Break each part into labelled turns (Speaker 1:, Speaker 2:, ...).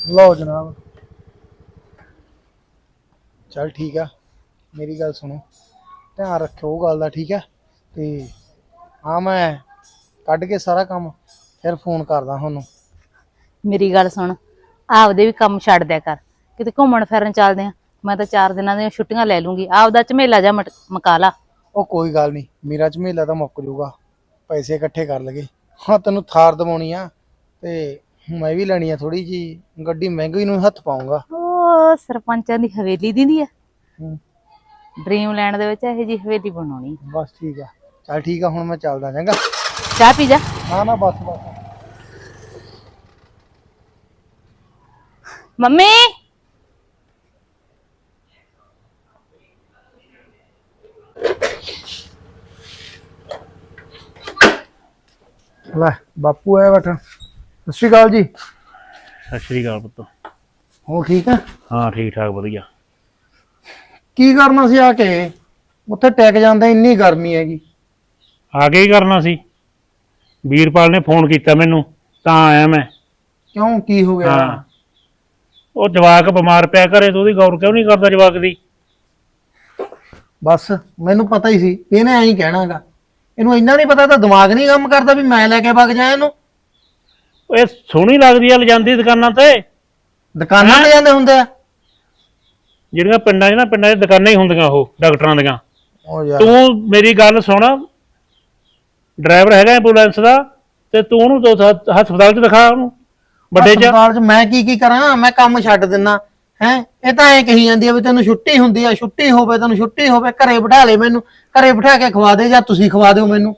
Speaker 1: ਲਓ ਜਨਾਬ। ਚੱਲ ਠੀਕ ਆ, ਮੇਰੀ ਗੱਲ ਸੁਣੋ, ਧਿਆਨ ਰੱਖਿਓ ਉਹ ਗੱਲ ਦਾ, ਠੀਕ ਹੈ। ਤੇ ਹਾਂ, ਮੈਂ ਕੱਢ ਕੇ ਸਾਰਾ ਕੰਮ ਫਿਰ ਫੋਨ ਕਰਦਾ ਤੁਹਾਨੂੰ।
Speaker 2: ਮੇਰੀ ਗੱਲ ਸੁਣ, ਆਪਦੇ ਵੀ ਕੰਮ ਛੱਡ ਦਿਆ ਕਰ, ਕਿਤੇ ਘੁੰਮਣ ਫਿਰਨ ਚੱਲਦੇ ਆ। ਮੈਂ ਤਾਂ 4 ਦਿਨਾਂ ਦੀਆਂ ਛੁੱਟੀਆਂ ਲੈ ਲੂੰਗੀ, ਆਪਦਾ ਝਮੇਲਾ ਜਾ ਮਕਾ ਲਾ।
Speaker 1: ਉਹ ਕੋਈ ਗੱਲ ਨਹੀਂ, ਮੇਰਾ ਝਮੇਲਾ ਤਾਂ ਮੁੱਕ ਜਾਊਗਾ, ਪੈਸੇ ਇਕੱਠੇ ਕਰ ਲਗੇ। ਹਾਂ, ਤੈਨੂੰ ਥਾਰ ਦਵਾਉਣੀ ਆ, ਤੇ ਮੈਂ ਵੀ ਲੈਣੀ ਆ ਥੋੜੀ ਜੀ ਗੱਡੀ, ਮਹਿੰਗੀ ਨੂੰ ਹੱਥ ਪਾਉਂਗਾ।
Speaker 2: ਉਹ ਸਰਪੰਚਾਂ ਦੀ ਹਵੇਲੀ ਦੀ ਆ,
Speaker 1: ਹੂੰ,
Speaker 2: ਡ੍ਰੀਮ ਲੈਂਡ ਦੇ ਵਿੱਚ ਇਹੋ ਜੀ ਹਵੇਲੀ ਬਣਾਉਣੀ।
Speaker 1: ਬਸ ਠੀਕ ਆ, ਚੱਲ ਠੀਕ ਆ, ਹੁਣ ਮੈਂ ਚੱਲਦਾ ਚੰਗਾ।
Speaker 2: ਚਾਹ ਪੀ ਜਾ।
Speaker 1: ਨਾ ਨਾ, ਬਸ ਬਸ।
Speaker 2: ਮੰਮੀ
Speaker 1: ਲੈ ਬਾਪੂ ਆਇਆ ਬੈਠਾ। ਸਤਿ ਸ਼੍ਰੀ ਅਕਾਲ ਜੀ।
Speaker 3: ਸਤਿ ਸ਼੍ਰੀ ਅਕਾਲ ਪੁੱਤ।
Speaker 1: ਹੋਰ ਠੀਕ ਆ?
Speaker 3: ਹਾਂ ਠੀਕ ਠਾਕ ਵਧੀਆ।
Speaker 1: ਕੀ ਕਰਨਾ ਸੀ ਆ ਕੇ ਉੱਥੇ ਟਿਕ ਜਾਂਦਾ, ਇੰਨੀ ਗਰਮੀ ਹੈਗੀ।
Speaker 3: ਆ ਕੇ ਹੀ ਕਰਨਾ ਸੀ, ਵੀਰਪਾਲ ਨੇ ਫੋਨ ਕੀਤਾ ਮੈਨੂੰ ਤਾਂ ਆਇਆ ਮੈਂ।
Speaker 1: ਕਿਉਂ, ਕੀ ਹੋ ਗਿਆ?
Speaker 3: ਹਾਂ, ਉਹ ਜਵਾਕ ਬਿਮਾਰ ਪਿਆ ਘਰੇ, ਤੂੰ ਉਹਦੀ ਗੌਰ ਕਿਉਂ ਨਹੀਂ ਕਰਦਾ ਜਵਾਕ ਦੀ?
Speaker 1: ਬਸ ਮੈਨੂੰ ਪਤਾ ਹੀ ਸੀ ਇਹਨੇ ਐਂ ਹੀ ਕਹਿਣਾਗਾ। ਇਹਨੂੰ ਇੰਨਾ ਨਹੀਂ ਪਤਾ, ਤਾਂ ਦਿਮਾਗ ਨਹੀਂ ਕੰਮ ਕਰਦਾ ਵੀ ਮੈਂ ਲੈ ਕੇ ਵਗ ਜਾ ਇਹਨੂੰ।
Speaker 3: ਇਹ ਸੋਹਣੀ ਲੱਗਦੀ ਆ ਲਿਜਾਂਦੀ ਦੁਕਾਨਾਂ ਤੇ,
Speaker 1: ਦੁਕਾਨਾਂ ਤੇ ਜਾਂਦੇ ਹੁੰਦੇ ਆ
Speaker 3: ਜਿਹੜੀਆਂ ਪਿੰਡਾਂ 'ਚ ਦੁਕਾਨਾਂ ਹੀ ਹੁੰਦੀਆਂ ਉਹ ਡਾਕਟਰਾਂ ਦੀਆਂ।
Speaker 1: ਉਹ ਯਾਰ,
Speaker 3: ਤੂੰ ਮੇਰੀ ਗੱਲ ਸੁਣ, ਡਰਾਈਵਰ ਹੈਗਾ ਐਂਬੂਲੈਂਸ ਦਾ, ਤੇ ਤੂੰ ਉਹਨੂੰ ਹਸਪਤਾਲ 'ਚ ਦਿਖਾ, ਉਹਨੂੰ ਵੱਡੇ 'ਚ।
Speaker 1: ਹਸਪਤਾਲ 'ਚ ਮੈਂ ਕੀ ਕਰਾਂ? ਮੈਂ ਕੰਮ ਛੱਡ ਦਿੰਨਾ ਹੈ। ਇਹ ਤਾਂ ਐਂ ਕਹੀ ਜਾਂਦੀ ਆ ਵੀ ਤੈਨੂੰ ਛੁੱਟੀ ਹੁੰਦੀ ਆ, ਛੁੱਟੀ ਹੋਵੇ ਤੈਨੂੰ, ਛੁੱਟੀ ਹੋਵੇ, ਘਰੇ ਬਿਠਾ ਲੈ ਮੈਨੂੰ, ਘਰੇ ਬਿਠਾ ਕੇ ਖਵਾ ਦੇ, ਜਾਂ ਤੁਸੀਂ ਖਵਾ ਦਿਓ ਮੈਨੂੰ।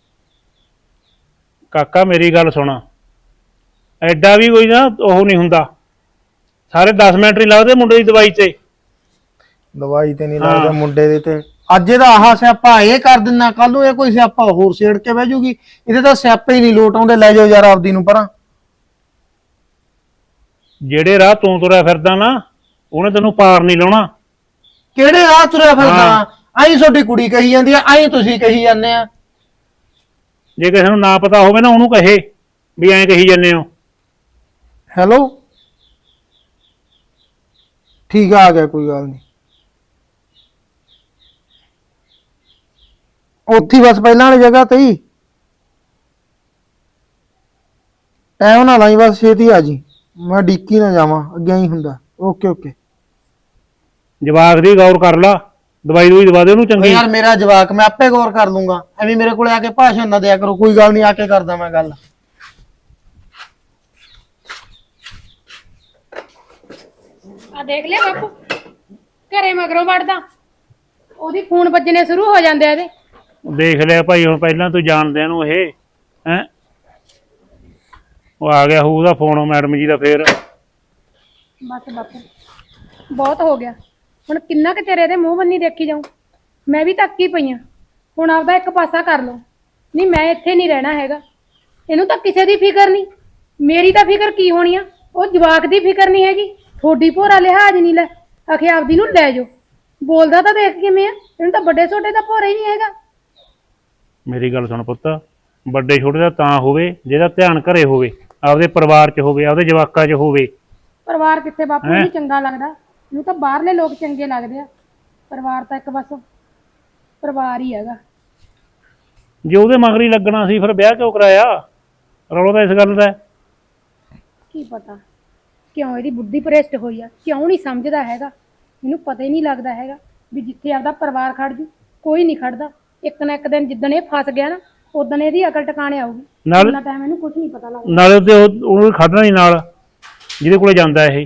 Speaker 3: ਕਾਕਾ ਮੇਰੀ ਗੱਲ ਸੁਣ, ਐਡਾ ਵੀ ਕੋਈ ਨਾ ਉਹ ਨਹੀਂ ਹੁੰਦਾ, ਸਾਰੇ 10 ਮਿੰਟ ਨਹੀਂ ਲੱਗਦੇ ਮੁੰਡੇ ਦੀ ਦਵਾਈ ਤੇ।
Speaker 1: ਦਵਾਈ ਤੇ ਨਹੀਂ ਲੱਗਦਾ ਮੁੰਡੇ ਦੇ ਤੇ। ਅੱਜ ਇਹਦਾ ਆਹ ਸਿਆਪਾ ਇਹ ਕਰ ਦਿੰਨਾ, ਕੱਲ ਨੂੰ ਇਹ ਕੋਈ ਸਿਆਪਾ ਹੋਰ ਛੇੜ ਕੇ ਬਹਿ ਜੂਗੀ। ਇਹਦੇ ਤਾਂ ਸਿਆਪੇ ਹੀ ਨਹੀਂ ਲੋਟ ਆਉਂਦੇ। ਲੈ ਜਾਓ ਯਾਰ ਆਪਦੀ ਨੂੰ ਪਰਾਂ।
Speaker 3: ਜਿਹੜੇ ਰਾਹ ਤੂੰ ਤੁਰਿਆ ਫਿਰਦਾ ਨਾ, ਉਹਨੇ ਤੈਨੂੰ ਪਾਰ ਨਹੀਂ ਲਾਉਣਾ।
Speaker 1: ਕਿਹੜੇ ਰਾਹ ਤੁਰਿਆ ਫਿਰਦਾ? ਆਈ ਤੁਹਾਡੀ ਕੁੜੀ ਕਹੀ ਜਾਂਦੀ ਆ, ਆਈ ਤੁਸੀਂ ਕਹੀ ਜਾਂਦੇ ਆ।
Speaker 3: ਜੇ ਕਿਸੇ ਨੂੰ ਨਾ ਪਤਾ ਹੋਵੇ ਨਾ, ਉਹਨੂੰ ਕਹੇ ਵੀ ਐਂ ਕਹੀ ਜਾਂਦੇ ਹੋ।
Speaker 1: ਹੈਲੋ, ਠੀਕ ਆ ਗਿਆ, ਕੋਈ ਗੱਲ ਨਹੀਂ। ਉੱਥੇ ਹੀ ਬਸ, ਪਹਿਲਾਂ ਵਾਲੀ ਜਗ੍ਹਾ ਤੇ ਹੀ ਟਾਈਮ ਨਾਲ ਆਈ, ਬਸ ਛੇਤੀ ਆ ਜੀ, ਮੈਂ ਡੀਕੀ ਨਾ ਜਾਵਾਂ, ਅੱਗੇ ਹੀ ਹੁੰਦਾ। Okay okay.
Speaker 3: ਜਵਾਕ ਦੀ ਗੌਰ ਕਰ ਲਾ, ਦਵਾਈ ਦੂਈ ਦਵਾ ਦੇ ਉਹਨੂੰ ਚੰਗੀ।
Speaker 1: ਯਾਰ ਮੇਰਾ ਜਵਾਕ, ਮੈਂ ਆਪੇ ਗੌਰ ਕਰ ਲੂੰਗਾ, ਐਵੇਂ ਮੇਰੇ ਕੋਲੇ ਆ ਕੇ ਭਾਸ਼ਣ ਨਾ ਦਿਆ ਕਰੋ। ਕੋਈ ਗੱਲ ਨਹੀਂ, ਆ ਕੇ ਕਰਦਾ ਮੈਂ ਗੱਲ।
Speaker 4: ਆ ਦੇਖ ਲਿਆ ਬਾਪੂ, ਘਰੇ ਮਗਰੋਂ ਵੜਦਾ, ਉਹਦੀ ਫੋਨ ਵੱਜਣੇ ਸ਼ੁਰੂ ਹੋ ਜਾਂਦੇ ਆ ਇਹਦੇ।
Speaker 3: ਦੇਖ ਲਿਆ ਭਾਈ, ਹੁਣ ਪਹਿਲਾਂ ਤੂੰ ਜਾਣਦਿਆਂ ਨੂੰ ਇਹ ਹੈ, ਉਹ ਆ ਗਿਆ ਹੋਊ ਉਹਦਾ ਫੋਨ ਮੈਡਮ ਜੀ ਦਾ ਫੇਰ।
Speaker 4: ਬਸ ਬਾਪੂ ਬਹੁਤ ਹੋ ਗਿਆ, ਹੁਣ ਕਿੰਨਾ ਕੁ ਚਿਰ ਇਹਦੇ ਮੂੰਹ ਬੰਨੀ ਦੇਖੀ ਜਾਊਂ। ਮੈਂ ਵੀ ਤੱਕੀ ਪਈ ਆ, ਹੁਣ ਆਪਦਾ ਇੱਕ ਪਾਸਾ ਕਰ ਲਓ। ਨਹੀਂ, ਮੈਂ ਇੱਥੇ ਨਹੀਂ ਰਹਿਣਾ ਹੈਗਾ। ਇਹਨੂੰ ਤਾਂ ਕਿਸੇ ਦੀ ਫਿਕਰ ਨਹੀਂ, ਮੇਰੀ ਤਾਂ ਫਿਕਰ ਕੀ ਹੋਣੀ ਆ। ਉਹ ਜਵਾਕ ਦੀ ਫਿਕਰ ਨਹੀਂ ਹੈਗੀ, ਥੋੜੀ ਭੋਰਾ ਲਿਹਾਜ਼ ਨਹੀਂ। ਲੈ ਆਖੇ ਆਪਦੀ ਨੂੰ ਲੈ ਜਾਓ। ਬੋਲਦਾ ਤਾਂ ਦੇਖ ਕਿਵੇਂ ਆ, ਇਹਨੂੰ ਤਾਂ ਵੱਡੇ ਛੋਟੇ ਦਾ ਭੋਰਾ ਹੀ ਨਹੀਂ ਹੈਗਾ।
Speaker 3: ਮੇਰੀ ਗੱਲ ਸੁਣ ਪੁੱਤ, ਵੱਡੇ ਛੋਟੇ ਦਾ ਤਾਂ ਹੋਵੇ ਜਿਹਦਾ ਧਿਆਨ ਘਰੇ ਹੋਵੇ, ਆਪਦੇ ਪਰਿਵਾਰ 'ਚ ਹੋਵੇ, ਆਪਦੇ ਜਵਾਕਾਂ 'ਚ ਹੋਵੇ।
Speaker 4: ਪਰਿਵਾਰ ਕਿੱਥੇ ਬਾਪੂ ਨੂੰ ਚੰਗਾ ਲੱਗਦਾ, ਇਹਨੂੰ ਤਾਂ ਬਾਹਰਲੇ ਲੋਕ ਚੰਗੇ ਲੱਗਦੇ ਆ। ਪਰਿਵਾਰ ਤਾਂ ਇੱਕ ਬਸ ਪਰਿਵਾਰ ਹੀ ਹੈਗਾ।
Speaker 3: ਜੇ ਉਹਦੇ ਮਗਰ ਹੀ ਲੱਗਣਾ ਸੀ, ਫਿਰ ਵਿਆਹ ਕਿਉਂ ਕਰਾਇਆ? ਰੌਲਾ ਤਾਂ ਇਸ ਗੱਲ ਦਾ।
Speaker 4: ਕੀ ਪਤਾ ਕਿਉਂ ਇਹਦੀ ਬੁੱਧੀ ਭ੍ਰਿਸ਼ਟ ਹੋਈ ਆ, ਕਿਉਂ ਨਹੀਂ ਸਮਝਦਾ ਹੈਗਾ। ਇਹਨੂੰ ਪਤਾ ਹੀ ਨਹੀਂ ਲੱਗਦਾ ਹੈਗਾ ਵੀ ਜਿੱਥੇ ਆਪਦਾ ਪਰਿਵਾਰ ਖੜ ਜੂ, ਕੋਈ ਨਹੀਂ ਖੜਦਾ। ਇੱਕ ਨਾ ਇੱਕ ਦਿਨ ਜਿੱਦਣ ਇਹ ਫਸ ਗਿਆ ਨਾ, ਉਦੋਂ ਇਹਦੀ ਅਕਲ ਟਿਕਾਣੇ ਆਊਗੀ। ਉਹਨਾਂ ਟਾਈਮ ਇਹਨੂੰ ਕੁਝ ਨਹੀਂ ਪਤਾ ਲੱਗਦਾ।
Speaker 3: ਨਾਲੇ ਉਹਨੂੰ ਖੜਨਾ ਨਹੀਂ ਨਾਲ ਜਿਹਦੇ ਕੋਲੇ ਜਾਂਦਾ ਇਹ।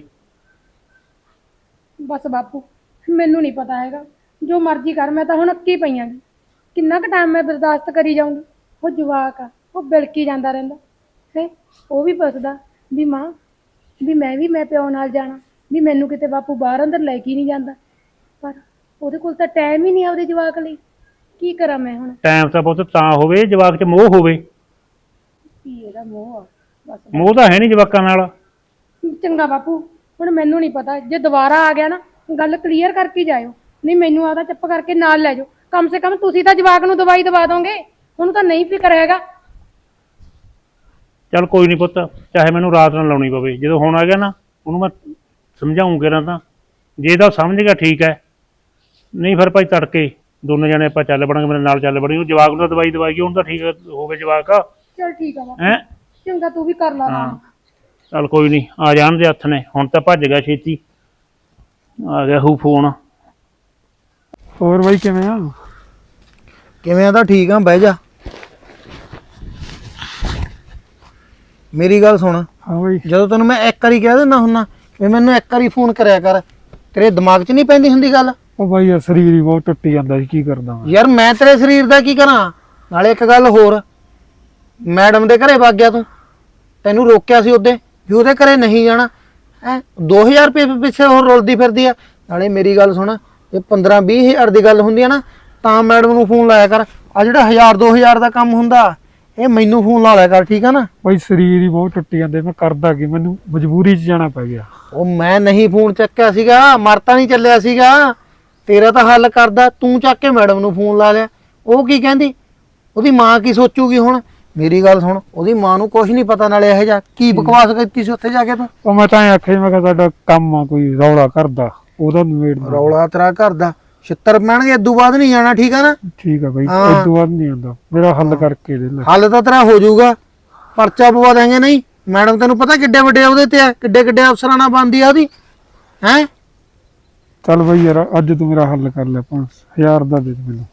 Speaker 4: ਬਸ ਬਾਪੂ ਮੈਨੂੰ ਨਹੀਂ ਪਤਾ ਹੈਗਾ, ਜੋ ਮਰਜ਼ੀ ਕਰ, ਮੈਂ ਤਾਂ ਹੁਣ ਅੱਕੀ ਪਈਆਂ। ਕਿੰਨਾ ਕੁ ਟਾਈਮ ਮੈਂ ਬਰਦਾਸ਼ਤ ਕਰੀ ਜਾਊਂਗੀ। ਉਹ ਜਵਾਕ ਆ, ਉਹ ਬਿਲਕੀ ਜਾਂਦਾ ਰਹਿੰਦਾ ਹੈ। ਉਹ ਵੀ ਪੁੱਛਦਾ ਵੀ ਮਾਂ, ਵੀ ਮੈਂ ਪਿਓ ਨਾਲ ਜਾਣਾ, ਵੀ ਮੈਨੂੰ ਕਿਤੇ ਬਾਪੂ ਬਾਹਰ ਅੰਦਰ ਲੈ ਕੇ ਨਹੀਂ ਜਾਂਦਾ। ਪਰ ਉਹਦੇ ਕੋਲ ਤਾਂ ਟਾਈਮ ਹੀ ਨਹੀਂ ਆਪਦੇ ਜਵਾਕ ਲਈ। ਕੀ ਕਰਾਂ ਮੈਂ ਹੁਣ?
Speaker 3: ਟਾਈਮ ਤਾਂ ਬਹੁਤ ਤਾਂ ਹੋਵੇ ਜਵਾਕ 'ਚ ਮੋਹ ਹੋਵੇ।
Speaker 4: ਕੀ ਇਹਦਾ ਮੋਹ ਆ? ਬਸ
Speaker 3: ਮੋਹ ਤਾਂ ਹੈ ਨਹੀਂ ਜਵਾਕਾਂ ਨਾਲ।
Speaker 4: ਚੰਗਾ ਬਾਪੂ, ਹੁਣ ਮੈਨੂੰ ਨਹੀਂ ਪਤਾ। ਜੇ ਦੁਬਾਰਾ ਆ ਗਿਆ ਨਾ, ਗੱਲ ਕਲੀਅਰ ਕਰਕੇ ਜਾਇਓ, ਨਹੀਂ ਮੈਨੂੰ ਆਦਾ ਚੁੱਪ ਕਰਕੇ ਨਾਲ ਲੈ ਜਾਓ। ਕਮ ਸੇ ਕਮ ਤੁਸੀਂ ਤਾਂ ਜਵਾਕ ਨੂੰ ਦਵਾਈ ਦਵਾ ਦੋਗੇ, ਉਹਨੂੰ ਤਾਂ ਨਹੀਂ ਫਿਕਰ ਹੈਗਾ।
Speaker 3: ਚੱਲ ਕੋਈ ਨਹੀਂ ਪੁੱਤ, ਚਾਹੇ ਮੈਨੂੰ ਰਾਤ ਨਾਲ ਲਾਉਣੀ ਪਵੇ, ਜਦੋਂ ਹੁਣ ਆ ਗਿਆ ਨਾ ਉਹਨੂੰ ਮੈਂ ਸਮਝਾਉਂਗੇ ਨਾ ਤਾਂ ਜੇ ਤਾਂ ਉਹ ਸਮਝ ਗਿਆ ਠੀਕ ਹੈ, ਨਹੀਂ ਫਿਰ ਭਾਈ ਤੜਕੇ ਦੋਨੇ ਜਣੇ ਆਪਾਂ ਚੱਲ ਪੜਾਂਗੇ, ਮੇਰੇ ਨਾਲ ਚੱਲ ਪੜਾਂਗੇ। ਉਹ ਜਵਾਕ ਨੂੰ ਤਾਂ ਦਵਾਈ ਦਵਾਈ ਹੁਣ ਤਾਂ ਠੀਕ ਹੋਵੇ ਜਵਾਕ
Speaker 4: ਚਲ ਠੀਕ ਆ ਬਾਪੂ,
Speaker 3: ਹੈ।
Speaker 4: ਚੰਗਾ ਤੂੰ ਵੀ ਕਰ ਲਾ
Speaker 3: ਹਾਂ ਚੱਲ ਕੋਈ ਨਹੀਂ, ਆ ਜਾਣ ਦੇ ਹੱਥ ਨੇ। ਹੁਣ ਤਾਂ ਭੱਜ ਗਿਆ ਛੇਤੀ, ਆ ਗਿਆ ਹੂ ਫੋਨ।
Speaker 5: ਹੋਰ ਬਾਈ ਕਿਵੇਂ ਆ?
Speaker 1: ਕਿਵੇਂ ਆ? ਤਾਂ ਠੀਕ ਆ, ਬਹਿ ਜਾ। ਮੇਰੀ ਗੱਲ ਸੁਣ,
Speaker 5: ਹਾਂ ਬਾਈ।
Speaker 1: ਜਦੋਂ ਤੈਨੂੰ ਮੈਂ ਇੱਕ ਵਾਰੀ ਕਹਿ ਦਿੰਦਾ ਹੁੰਨਾ ਵੀ ਮੈਨੂੰ ਇੱਕ ਵਾਰੀ ਫੋਨ ਕਰਿਆ ਕਰ, ਤੇਰੇ ਦਿਮਾਗ 'ਚ ਨਹੀਂ ਪੈਂਦੀ ਹੁੰਦੀ ਗੱਲ?
Speaker 5: ਉਹ ਬਾਈ ਯਾਰ ਸਰੀਰ ਹੀ ਬਹੁਤ ਟੁੱਟੀ ਜਾਂਦਾ ਸੀ, ਕੀ ਕਰਦਾ ਮੈਂ।
Speaker 1: ਯਾਰ ਮੈਂ ਤੇਰੇ ਸਰੀਰ ਦਾ ਕੀ ਕਰਾਂ? ਨਾਲੇ ਇੱਕ ਗੱਲ ਹੋਰ, ਮੈਡਮ ਦੇ ਘਰੇ ਵਗ ਗਿਆ ਤੂੰ, ਤੈਨੂੰ ਰੋਕਿਆ ਸੀ ਉਹਦੇ ਵੀ ਉਹਦੇ ਘਰੇ ਨਹੀਂ ਜਾਣਾ ਹੈ। 2000 ਰੁਪਏ ਪਿੱਛੇ ਹੋਰ ਰੁਲਦੀ ਫਿਰਦੀ ਆ। ਨਾਲੇ ਮੇਰੀ ਗੱਲ ਸੁਣ, ਜੇ 15-20 ਹਜ਼ਾਰ ਦੀ ਗੱਲ ਹੁੰਦੀ ਆ ਨਾ ਤਾਂ ਮੈਡਮ ਨੂੰ ਫੋਨ ਲਾਇਆ ਕਰ। ਆ ਜਿਹੜਾ 1000-2000 ਦਾ ਕੰਮ ਹੁੰਦਾ ਇਹ ਮੈਨੂੰ ਫੋਨ ਲਾ ਲਿਆ ਕਰ, ਠੀਕ ਆ ਨਾ?
Speaker 5: ਬਾਈ ਸਰੀਰ ਹੀ ਬਹੁਤ ਟੁੱਟੀ ਜਾਂਦੇ, ਮੈਂ ਕਰਦਾ ਕੀ, ਮੈਨੂੰ ਮਜਬੂਰੀ 'ਚ ਜਾਣਾ ਪੈ ਗਿਆ।
Speaker 1: ਉਹ ਮੈਂ ਨਹੀਂ ਫੋਨ ਚੱਕਿਆ ਸੀਗਾ, ਮਰਤਾ ਨਹੀਂ ਚੱਲਿਆ ਸੀਗਾ, ਤੇਰਾ ਤਾਂ ਹੱਲ ਕਰਦਾ ਤੂੰ ਚੱਕ ਕੇ ਮੈਡਮ ਨੂੰ ਫੋਨ ਲਾ ਲਿਆ। ਉਹ ਕੀ ਕਹਿੰਦੀ? ਉਹਦੀ ਮਾਂ ਕੀ ਸੋਚੂਗੀ ਹੁਣ? ਮੇਰੀ ਗੱਲ ਸੁਣ, ਉਹਦੀ ਮਾਂ ਨੂੰ ਕੁਝ ਨਹੀਂ ਪਤਾ, ਨਾਲੇ ਇਹੋ ਜਿਹਾ ਕੀ ਬਕਵਾਸ ਕੀਤੀ ਸੀ ਉੱਥੇ ਜਾ ਕੇ ਤੂੰ?
Speaker 5: ਉਹ ਮੈਂ ਤਾਂ ਆਖਿਆ ਮੈਂ ਕਿਹਾ ਸਾਡਾ ਕੰਮ ਆ ਕੋਈ ਰੌਲਾ ਕਰਦਾ, ਉਹਦਾ ਨਿਬੇੜ ਦਿੰਦਾ।
Speaker 1: ਰੌਲਾ ਤੇਰਾ ਘਰ ਦਾ, ਛਿੱਤਰ ਪੈਣਗੇ, ਇਦੋਂ ਬਾਅਦ ਨਹੀਂ ਜਾਣਾ, ਠੀਕ ਆ ਨਾ?
Speaker 5: ਠੀਕ ਆ ਬਾਈ,
Speaker 1: ਹਾਂ।
Speaker 5: ਇਸ ਤੋਂ ਬਾਅਦ ਨਹੀਂ ਆਉਂਦਾ, ਮੇਰਾ ਹੱਲ ਕਰਕੇ ਦੇ ਲੈ।
Speaker 1: ਹੱਲ ਤਾਂ ਤੇਰਾ ਹੋ ਜਾਊਗਾ, ਪਰਚਾ ਪਵਾ ਦੇਂਗੇ। ਨਹੀਂ ਮੈਡਮ ਤੈਨੂੰ ਪਤਾ ਕਿੱਡੇ ਵੱਡੇ ਉਹਦੇ ਤੇ ਆ, ਕਿੱਡੇ ਕਿੱਡੇ ਅਫਸਰਾਂ ਨਾਲ ਬਣਦੀ ਆ ਉਹਦੀ, ਹੈ?
Speaker 5: ਚੱਲ ਬਾਈ ਯਾਰ ਅੱਜ ਤੂੰ ਮੇਰਾ ਹੱਲ ਕਰ ਲੈ, 5000 ਦਾ ਦੇ ਦੇ ਮੈਨੂੰ।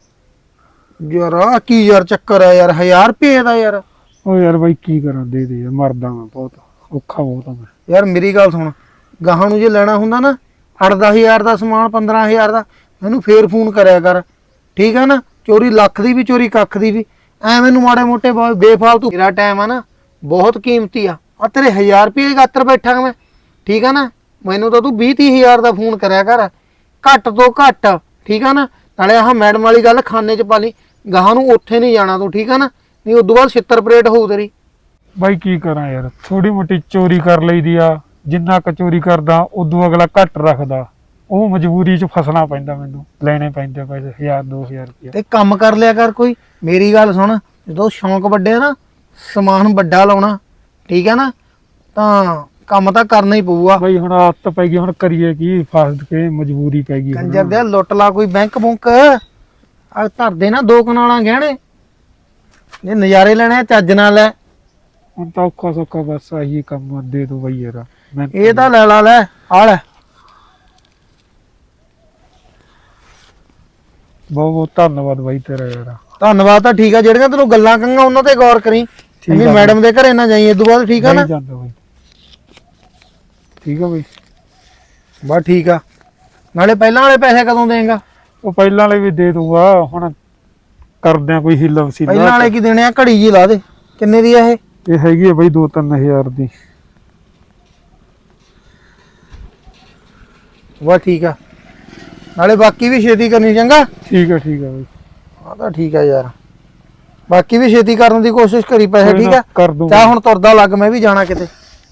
Speaker 1: ਯਾਰ ਆਹ ਕੀ ਯਾਰ ਚੱਕਰ ਆ ਯਾਰ, 1000 ਰੁਪਏ ਦਾ ਯਾਰ?
Speaker 5: ਉਹ ਯਾਰ ਬਾਈ ਕੀ ਕਰਾਂ, ਦੇ ਦੇ ਯਾਰ, ਮਰਦਾ ਮੈਂ ਬਹੁਤ, ਔਖਾ ਬਹੁਤ ਆ ਮੈਂ।
Speaker 1: ਯਾਰ ਮੇਰੀ ਗੱਲ ਸੁਣ, ਗਾਹਾਂ ਨੂੰ ਜੇ ਲੈਣਾ ਹੁੰਦਾ ਨਾ 8-10 ਹਜ਼ਾਰ ਦਾ ਸਮਾਨ, 15 ਹਜ਼ਾਰ ਦਾ, ਮੈਨੂੰ ਫੇਰ ਫੋਨ ਕਰਿਆ ਕਰ, ਠੀਕ ਆ ਨਾ? ਚੋਰੀ ਲੱਖ ਦੀ ਵੀ, ਚੋਰੀ ਕੱਖ ਦੀ ਵੀ, ਐ ਮੈਨੂੰ ਮਾੜੇ ਮੋਟੇ ਬੇਫਾਲਤੂ। ਮੇਰਾ ਟਾਈਮ ਆ ਨਾ ਬਹੁਤ ਕੀਮਤੀ ਆ ਤੇਰੇ 1000 ਰੁਪਏ ਗਾਤਰ ਬੈਠਾ ਮੈਂ, ਠੀਕ ਆ ਨਾ? ਮੈਨੂੰ ਤਾਂ ਤੂੰ 20-30 ਹਜ਼ਾਰ ਦਾ ਫੋਨ ਕਰਿਆ ਕਰ, ਘੱਟ ਤੋਂ ਘੱਟ, ਠੀਕ ਆ ਨਾ? ਨਾਲੇ ਆਹ ਮੈਡਮ ਵਾਲੀ ਗੱਲ ਖਾਨੇ 'ਚ ਪਾ ਲਈ, ਗਾਹਾਂ ਨੂੰ ਉੱਥੇ ਨਹੀਂ ਜਾਣਾ ਤੂੰ, ਠੀਕ ਆ ਨਾ? ਨਹੀਂ ਉਦੋਂ ਬਾਅਦ ਛਿੱਤਰ ਪਰੇਡ ਹੋਊ ਤੇਰੀ।
Speaker 5: ਬਾਈ ਕੀ ਕਰਾਂ ਯਾਰ, ਥੋੜੀ ਮੋਟੀ ਚੋਰੀ ਕਰ ਲਈਦੀ ਆ, ਜਿੰਨਾ ਕੁ ਚੋਰੀ ਕਰਦਾ ਉਦੋਂ ਅਗਲਾ ਘੱਟ ਰੱਖਦਾ, ਉਹ ਮਜਬੂਰੀ 'ਚ ਫਸਣਾ ਪੈਂਦਾ, ਮੈਨੂੰ ਲੈਣੇ ਪੈਂਦੇ ਪੈਸੇ 1000-2000 ਰੁਪਏ।
Speaker 1: ਤੇ ਕੰਮ ਕਰ ਲਿਆ ਕਰ ਕੋਈ। ਮੇਰੀ ਗੱਲ ਸੁਣ, ਜਦੋਂ ਸ਼ੌਂਕ ਵੱਡੇ ਆ ਨਾ, ਸਮਾਨ ਵੱਡਾ ਲਾਉਣਾ, ਠੀਕ ਹੈ ਨਾ? ਤਾਂ ਕੰਮ ਤਾਂ ਕਰਨਾ ਹੀ ਪਊਗਾ।
Speaker 5: ਬਾਈ ਹੁਣ ਆਦਤ ਪੈ ਗਈ, ਹੁਣ ਕਰੀਏ ਕੀ, ਫਸ ਕੇ ਮਜਬੂਰੀ ਪੈ ਗਈ।
Speaker 1: ਕੰਜਰ ਦੇ ਲੁੱਟ ਲਾ ਕੋਈ ਬੈਂਕ ਬੁੰਕ, ਆ ਧਰਦੇ ਨਾ 2 ਕਨਾਲਾਂ ਗਹਿਣੇ, ਇਹ ਨਜ਼ਾਰੇ ਲੈਣੇ ਆ, ਚੱਜ ਨਾਲ ਲੈ।
Speaker 5: ਹੁਣ ਤਾਂ ਔਖਾ ਸੌਖਾ ਬਸ ਆਹੀ ਕੰਮ ਦੇ ਦੋ ਬਾਈ ਯਾਰ, ਮੈਂ
Speaker 1: ਇਹ ਤਾਂ ਲੈ ਲਾ, ਲੈ ਆ ਲੈ।
Speaker 5: ਬਹੁਤ ਬਹੁਤ ਧੰਨਵਾਦ ਬਾਈ ਤੇਰਾ ਯਾਰ।
Speaker 1: ਧੰਨਵਾਦ ਤਾਂ ਠੀਕ ਆ, ਜਿਹੜੀਆਂ ਤੈਨੂੰ ਗੱਲਾਂ ਕਹਾਂਗਾ ਉਹਨਾਂ ਤੇ ਗੌਰ ਕਰੀ। ਨਹੀਂ ਮੈਡਮ ਦੇ ਘਰੇ ਨਾ ਜਾਈ ਇਦੋਂ ਬਾਅਦ, ਠੀਕ ਆ ਨਾ?
Speaker 5: ਨਹੀਂ ਜਾਂਦਾ ਬਾਈ, ਠੀਕ ਆ ਬਾਈ।
Speaker 1: ਬਸ ਠੀਕ ਆ। ਨਾਲੇ ਪਹਿਲਾਂ ਵਾਲੇ ਪੈਸੇ ਕਦੋਂ ਦੇਂਗਾ?
Speaker 5: ਉਹ ਪਹਿਲਾਂ ਵਾਲੇ ਵੀ ਦੇ ਦੂੰਗਾ, ਹੁਣ ਕਰਦੇ ਆ ਕੋਈ ਹਿੱਲਾ ਵਸੀਲਾ।
Speaker 1: ਪਹਿਲਾਂ ਵਾਲੇ ਕੀ ਦੇਣੇ ਆ? ਘੜੀ ਜੀ ਲਾ ਦੇ। ਕਿੰਨੇ ਦੀ ਆ ਇਹ?
Speaker 5: ਇਹ ਹੈਗੀ ਆ ਬਾਈ 2-3000 ਦੀ।
Speaker 1: ਬਸ ਠੀਕ ਆ, ਨਾਲੇ ਬਾਕੀ ਵੀ ਛੇਤੀ ਕਰਨੀ, ਚੰਗਾ?
Speaker 5: ਠੀਕ ਆ ਬਾਈ।
Speaker 1: ਆ ਤਾਂ ਠੀਕ ਆ ਯਾਰ, ਬਾਕੀ ਵੀ ਛੇਤੀ ਕਰਨ ਦੀ ਕੋਸ਼ਿਸ਼ ਕਰੀ ਪੈਸੇ,
Speaker 5: ਕੋਈ
Speaker 1: ਠੀਕ
Speaker 5: ਨਾ,
Speaker 1: ਆ?
Speaker 5: ਕਰ ਦੂੰਗਾ।
Speaker 1: ਚਾਹ ਹੁਣ ਤੁਰਦਾ ਲੱਗ, ਮੈਂ ਵੀ ਜਾਣਾ ਕਿਤੇ।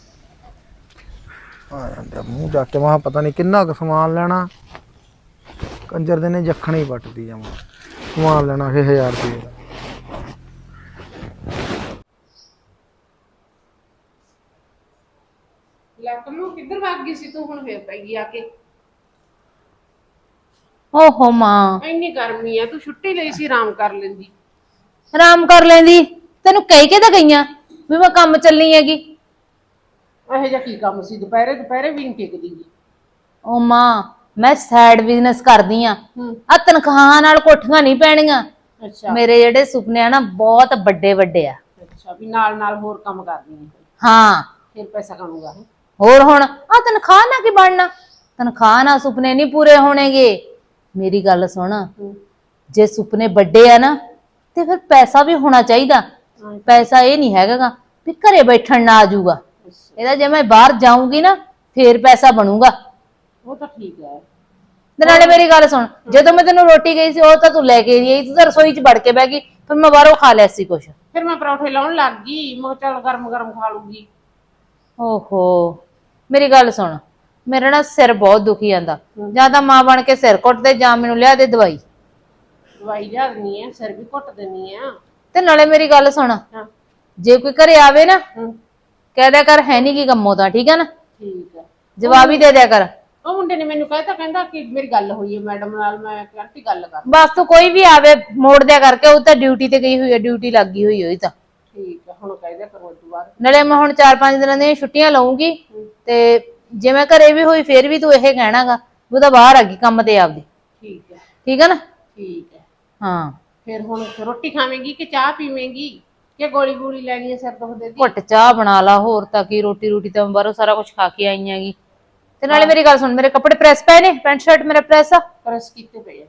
Speaker 1: ਆ ਜਾਂਦਾ ਮੂੰਹ ਜਾ ਕੇ, ਵਾਹ ਪਤਾ ਨਹੀਂ ਕਿੰਨਾ ਕੁ ਸਮਾਨ ਲੈਣਾ। ਕੰਜਰ ਦੇ ਨੇ ਜੱਖਣ ਹੀ ਵੱਟਦੀ ਜਾਵਾਂ, ਸਮਾਨ ਲੈਣਾ ਫੇ 1000 ਰੁਪਏ ਦਾ।
Speaker 6: ਲੱਕਮੂ ਕਿੱਧਰ ਭੱਗ ਗਈ ਸੀ ਤੂੰ? ਹੁਣ ਫੇਰ ਪੈ ਗਈ ਆ ਕੇ।
Speaker 2: ਓਹੋ ਮਾਂ,
Speaker 6: ਇੰਨੀ ਗਰਮੀ ਆ, ਤੂੰ ਛੁੱਟੀ ਲਈ ਸੀ, ਆਰਾਮ ਕਰ ਲੈਂਦੀ।
Speaker 2: ਆਰਾਮ ਕਰ ਲੈਂਦੀ, ਤੈਨੂੰ ਕਹਿ ਕੇ ਤਾਂ ਗਈਆਂ ਵੀ ਮੈਂ ਕੰਮ ਚੱਲੀ ਹੈਗੀ।
Speaker 6: ਇਹੋ ਜਿਹਾ ਕੀ ਕੰਮ ਸੀ? ਦੁਪਹਿਰੇ ਵੀ ਨਹੀਂ ਟਿਕਦੀ ਗੀ।
Speaker 2: ਓ ਮਾਂ, ਮੈਂ ਸਾਈਡ ਬਿਜ਼ਨਸ ਕਰਦੀ ਆ,
Speaker 6: ਹੂੰ।
Speaker 2: ਆ ਤਨਖਾਹਾਂ ਨਾਲ ਕੋਠੀਆਂ ਨਹੀਂ ਪੈਣੀਆਂ।
Speaker 6: ਅੱਛਾ
Speaker 2: ਮੇਰੇ ਜਿਹੜੇ ਸੁਪਨੇ ਆ ਨਾ ਬਹੁਤ ਵੱਡੇ ਵੱਡੇ ਆ।
Speaker 6: ਅੱਛਾ, ਵੀ ਨਾਲ ਨਾਲ ਹੋਰ ਕੰਮ ਕਰਦੀ ਹੈ,
Speaker 2: ਹਾਂ,
Speaker 6: ਫਿਰ ਪੈਸਾ ਕਮਾਊਗਾ।
Speaker 2: ਹੋਰ ਹੁਣ ਆ ਤਨਖਾਹ ਨਾਲ ਕੀ ਬਣਨਾ? ਤਨਖਾਹ ਨਾਲ ਸੁਪਨੇ ਨਹੀਂ ਪੂਰੇ ਹੋਣਗੇ। ਮੇਰੀ ਗੱਲ ਸੁਣ, ਜੇ ਸੁਪਨੇ ਵੱਡੇ ਆ ਨਾ ਤੇ ਫਿਰ ਪੈਸਾ ਵੀ ਹੋਣਾ ਚਾਹੀਦਾ। ਪੈਸਾ ਇਹ ਨਹੀਂ ਹੈਗਾ ਗਾ ਵੀ ਘਰੇ ਬੈਠਣ ਨਾ ਆ ਜਾਊਗਾ। ਇਹਦਾ ਜੇ ਮੈਂ ਬਾਹਰ ਜਾਊਂਗੀ ਨਾ ਫੇਰ ਪੈਸਾ ਬਣੂਗਾ।
Speaker 6: ਉਹ ਤਾਂ ਠੀਕ ਹੈ।
Speaker 2: ਤੇ ਨਾਲੇ ਮੇਰੀ ਗੱਲ ਸੁਣ, ਜਦੋਂ ਮੈਂ ਤੈਨੂੰ ਰੋਟੀ ਗਈ ਸੀ ਉਹ ਤਾਂ ਤੂੰ ਲੈ ਕੇ ਗਈ, ਤੂੰ ਤਾਂ ਰਸੋਈ 'ਚ ਵੜ ਕੇ ਬਹਿ ਗਈ, ਫਿਰ ਮੈਂ ਬਾਹਰੋਂ ਖਾ ਲਿਆ ਸੀ ਕੁਛ।
Speaker 6: ਫਿਰ ਮੈਂ ਪਰੌਠੇ ਲਾਉਣ ਲੱਗ ਗਈ, ਮੈਂ ਕਿਹਾ ਚੱਲ ਗਰਮ ਗਰਮ ਖਾ ਲੂੰਗੀ।
Speaker 2: ਓਹੋ, ਮੇਰੀ ਗੱਲ ਸੁਣ, ਮੇਰਾ ਨਾ ਸਿਰ ਬਹੁਤ ਦੁਖੀ ਜਾਂਦਾ, ਜਾਂ ਤਾਂ ਮਾਂ ਬਣ ਕੇ ਸਿਰ ਕੁੱਟ ਦੇ ਜਾਂ ਮੈਨੂੰ ਲਿਆ ਦੇ ਦਵਾਈ।
Speaker 6: ਦਵਾਈ ਲਿਆ ਦਿੰਨੀ ਆ, ਸਿਰ ਵੀ ਘੁੱਟ ਦਿੰਨੀ ਆ।
Speaker 2: ਤੇ ਨਾਲੇ ਮੇਰੀ ਗੱਲ ਸੁਣ,
Speaker 6: ਹਾਂ
Speaker 2: ਜੇ ਕੋਈ ਘਰੇ ਆਵੇ ਨਾ
Speaker 6: ਹੂੰ,
Speaker 2: ਕਹਿ ਦਿਆ ਕਰ ਹੈ ਨਹੀਂ ਕੀ ਕੰਮੋਂ ਤਾਂ, ਠੀਕ ਹੈ ਨਾ?
Speaker 6: ਠੀਕ ਹੈ।
Speaker 2: ਜਵਾਬ ਹੀ ਦੇ ਦਿਆ ਕਰ।
Speaker 6: ਉਹ ਮੁੰਡੇ ਨੇ ਮੈਨੂੰ ਕਹਿਤਾ, ਕਹਿੰਦਾ ਕਿ ਮੇਰੀ ਗੱਲ ਹੋਈ ਹੈ ਮੈਡਮ ਨਾਲ, ਮੈਂ ਕਿਹਾ ਆਂਟੀ ਗੱਲ ਕਰ।
Speaker 2: ਬਸ ਤੂੰ ਕੋਈ ਵੀ ਆਵੇ ਮੋੜ ਦਿਆ ਕਰਕੇ, ਉਹ ਤਾਂ ਡਿਊਟੀ ਤੇ ਗਈ ਹੋਈ ਹੈ, ਡਿਊਟੀ ਲੱਗੀ ਹੋਈ ਹੋਈ ਤਾਂ।
Speaker 6: ਠੀਕ ਹੈ, ਹੁਣ ਕਹਿ ਦਿਆ ਕਰੋ ਉਸ ਤੋਂ ਬਾਅਦ।
Speaker 2: ਨਾਲੇ ਮੈਂ ਹੁਣ 4-5 ਦਿਨਾਂ ਦੀਆਂ ਛੁੱਟੀਆਂ ਲਵਾਂਗੀ, ਤੇ ਜੇ ਮੈਂ ਘਰੇ ਵੀ ਹੋਈ ਫੇਰ ਵੀ ਤੂੰ ਇਹ ਕਹਿਣਾਗਾ ਉਹ ਤਾਂ ਬਾਹਰ ਆ ਗਈ ਕੰਮ ਤੇ ਆਪਦੀ।
Speaker 6: ਠੀਕ ਹੈ।
Speaker 2: ਠੀਕ ਹੈ ਨਾ?
Speaker 6: ਠੀਕ ਹੈ।
Speaker 2: ਹਾਂ।
Speaker 6: ਫਿਰ ਹੁਣ ਰੋਟੀ ਖਾਵੇਂਗੀ ਕਿ ਚਾਹ ਪੀਵੇਂਗੀ ਕਿ ਗੋਲੀ ਗੋਲੀ ਲੈਣੀ ਹੈ ਸਿਰ ਦੁਖਦੇ ਦੀ?
Speaker 2: ਘੁੱਟ ਚਾਹ ਬਣਾ ਲਾ, ਹੋਰ ਤਾਂ ਕੀ। ਰੋਟੀ ਤਾਂ ਮੈਂ ਬਾਹਰੋਂ ਸਾਰਾ ਕੁਝ ਖਾ ਕੇ ਆਈ ਹੈਗੀ। ਤੇ ਨਾਲੇ ਮੇਰੀ ਗੱਲ ਸੁਣ, ਮੇਰੇ ਕੱਪੜੇ ਪ੍ਰੈਸ ਪਏ ਨੇ, ਪੈਂਟ ਸ਼ਰਟ ਮੇਰਾ ਪ੍ਰੈਸ ਆ।
Speaker 6: ਪ੍ਰੈਸ ਕੀਤੇ ਪਏ ਆ।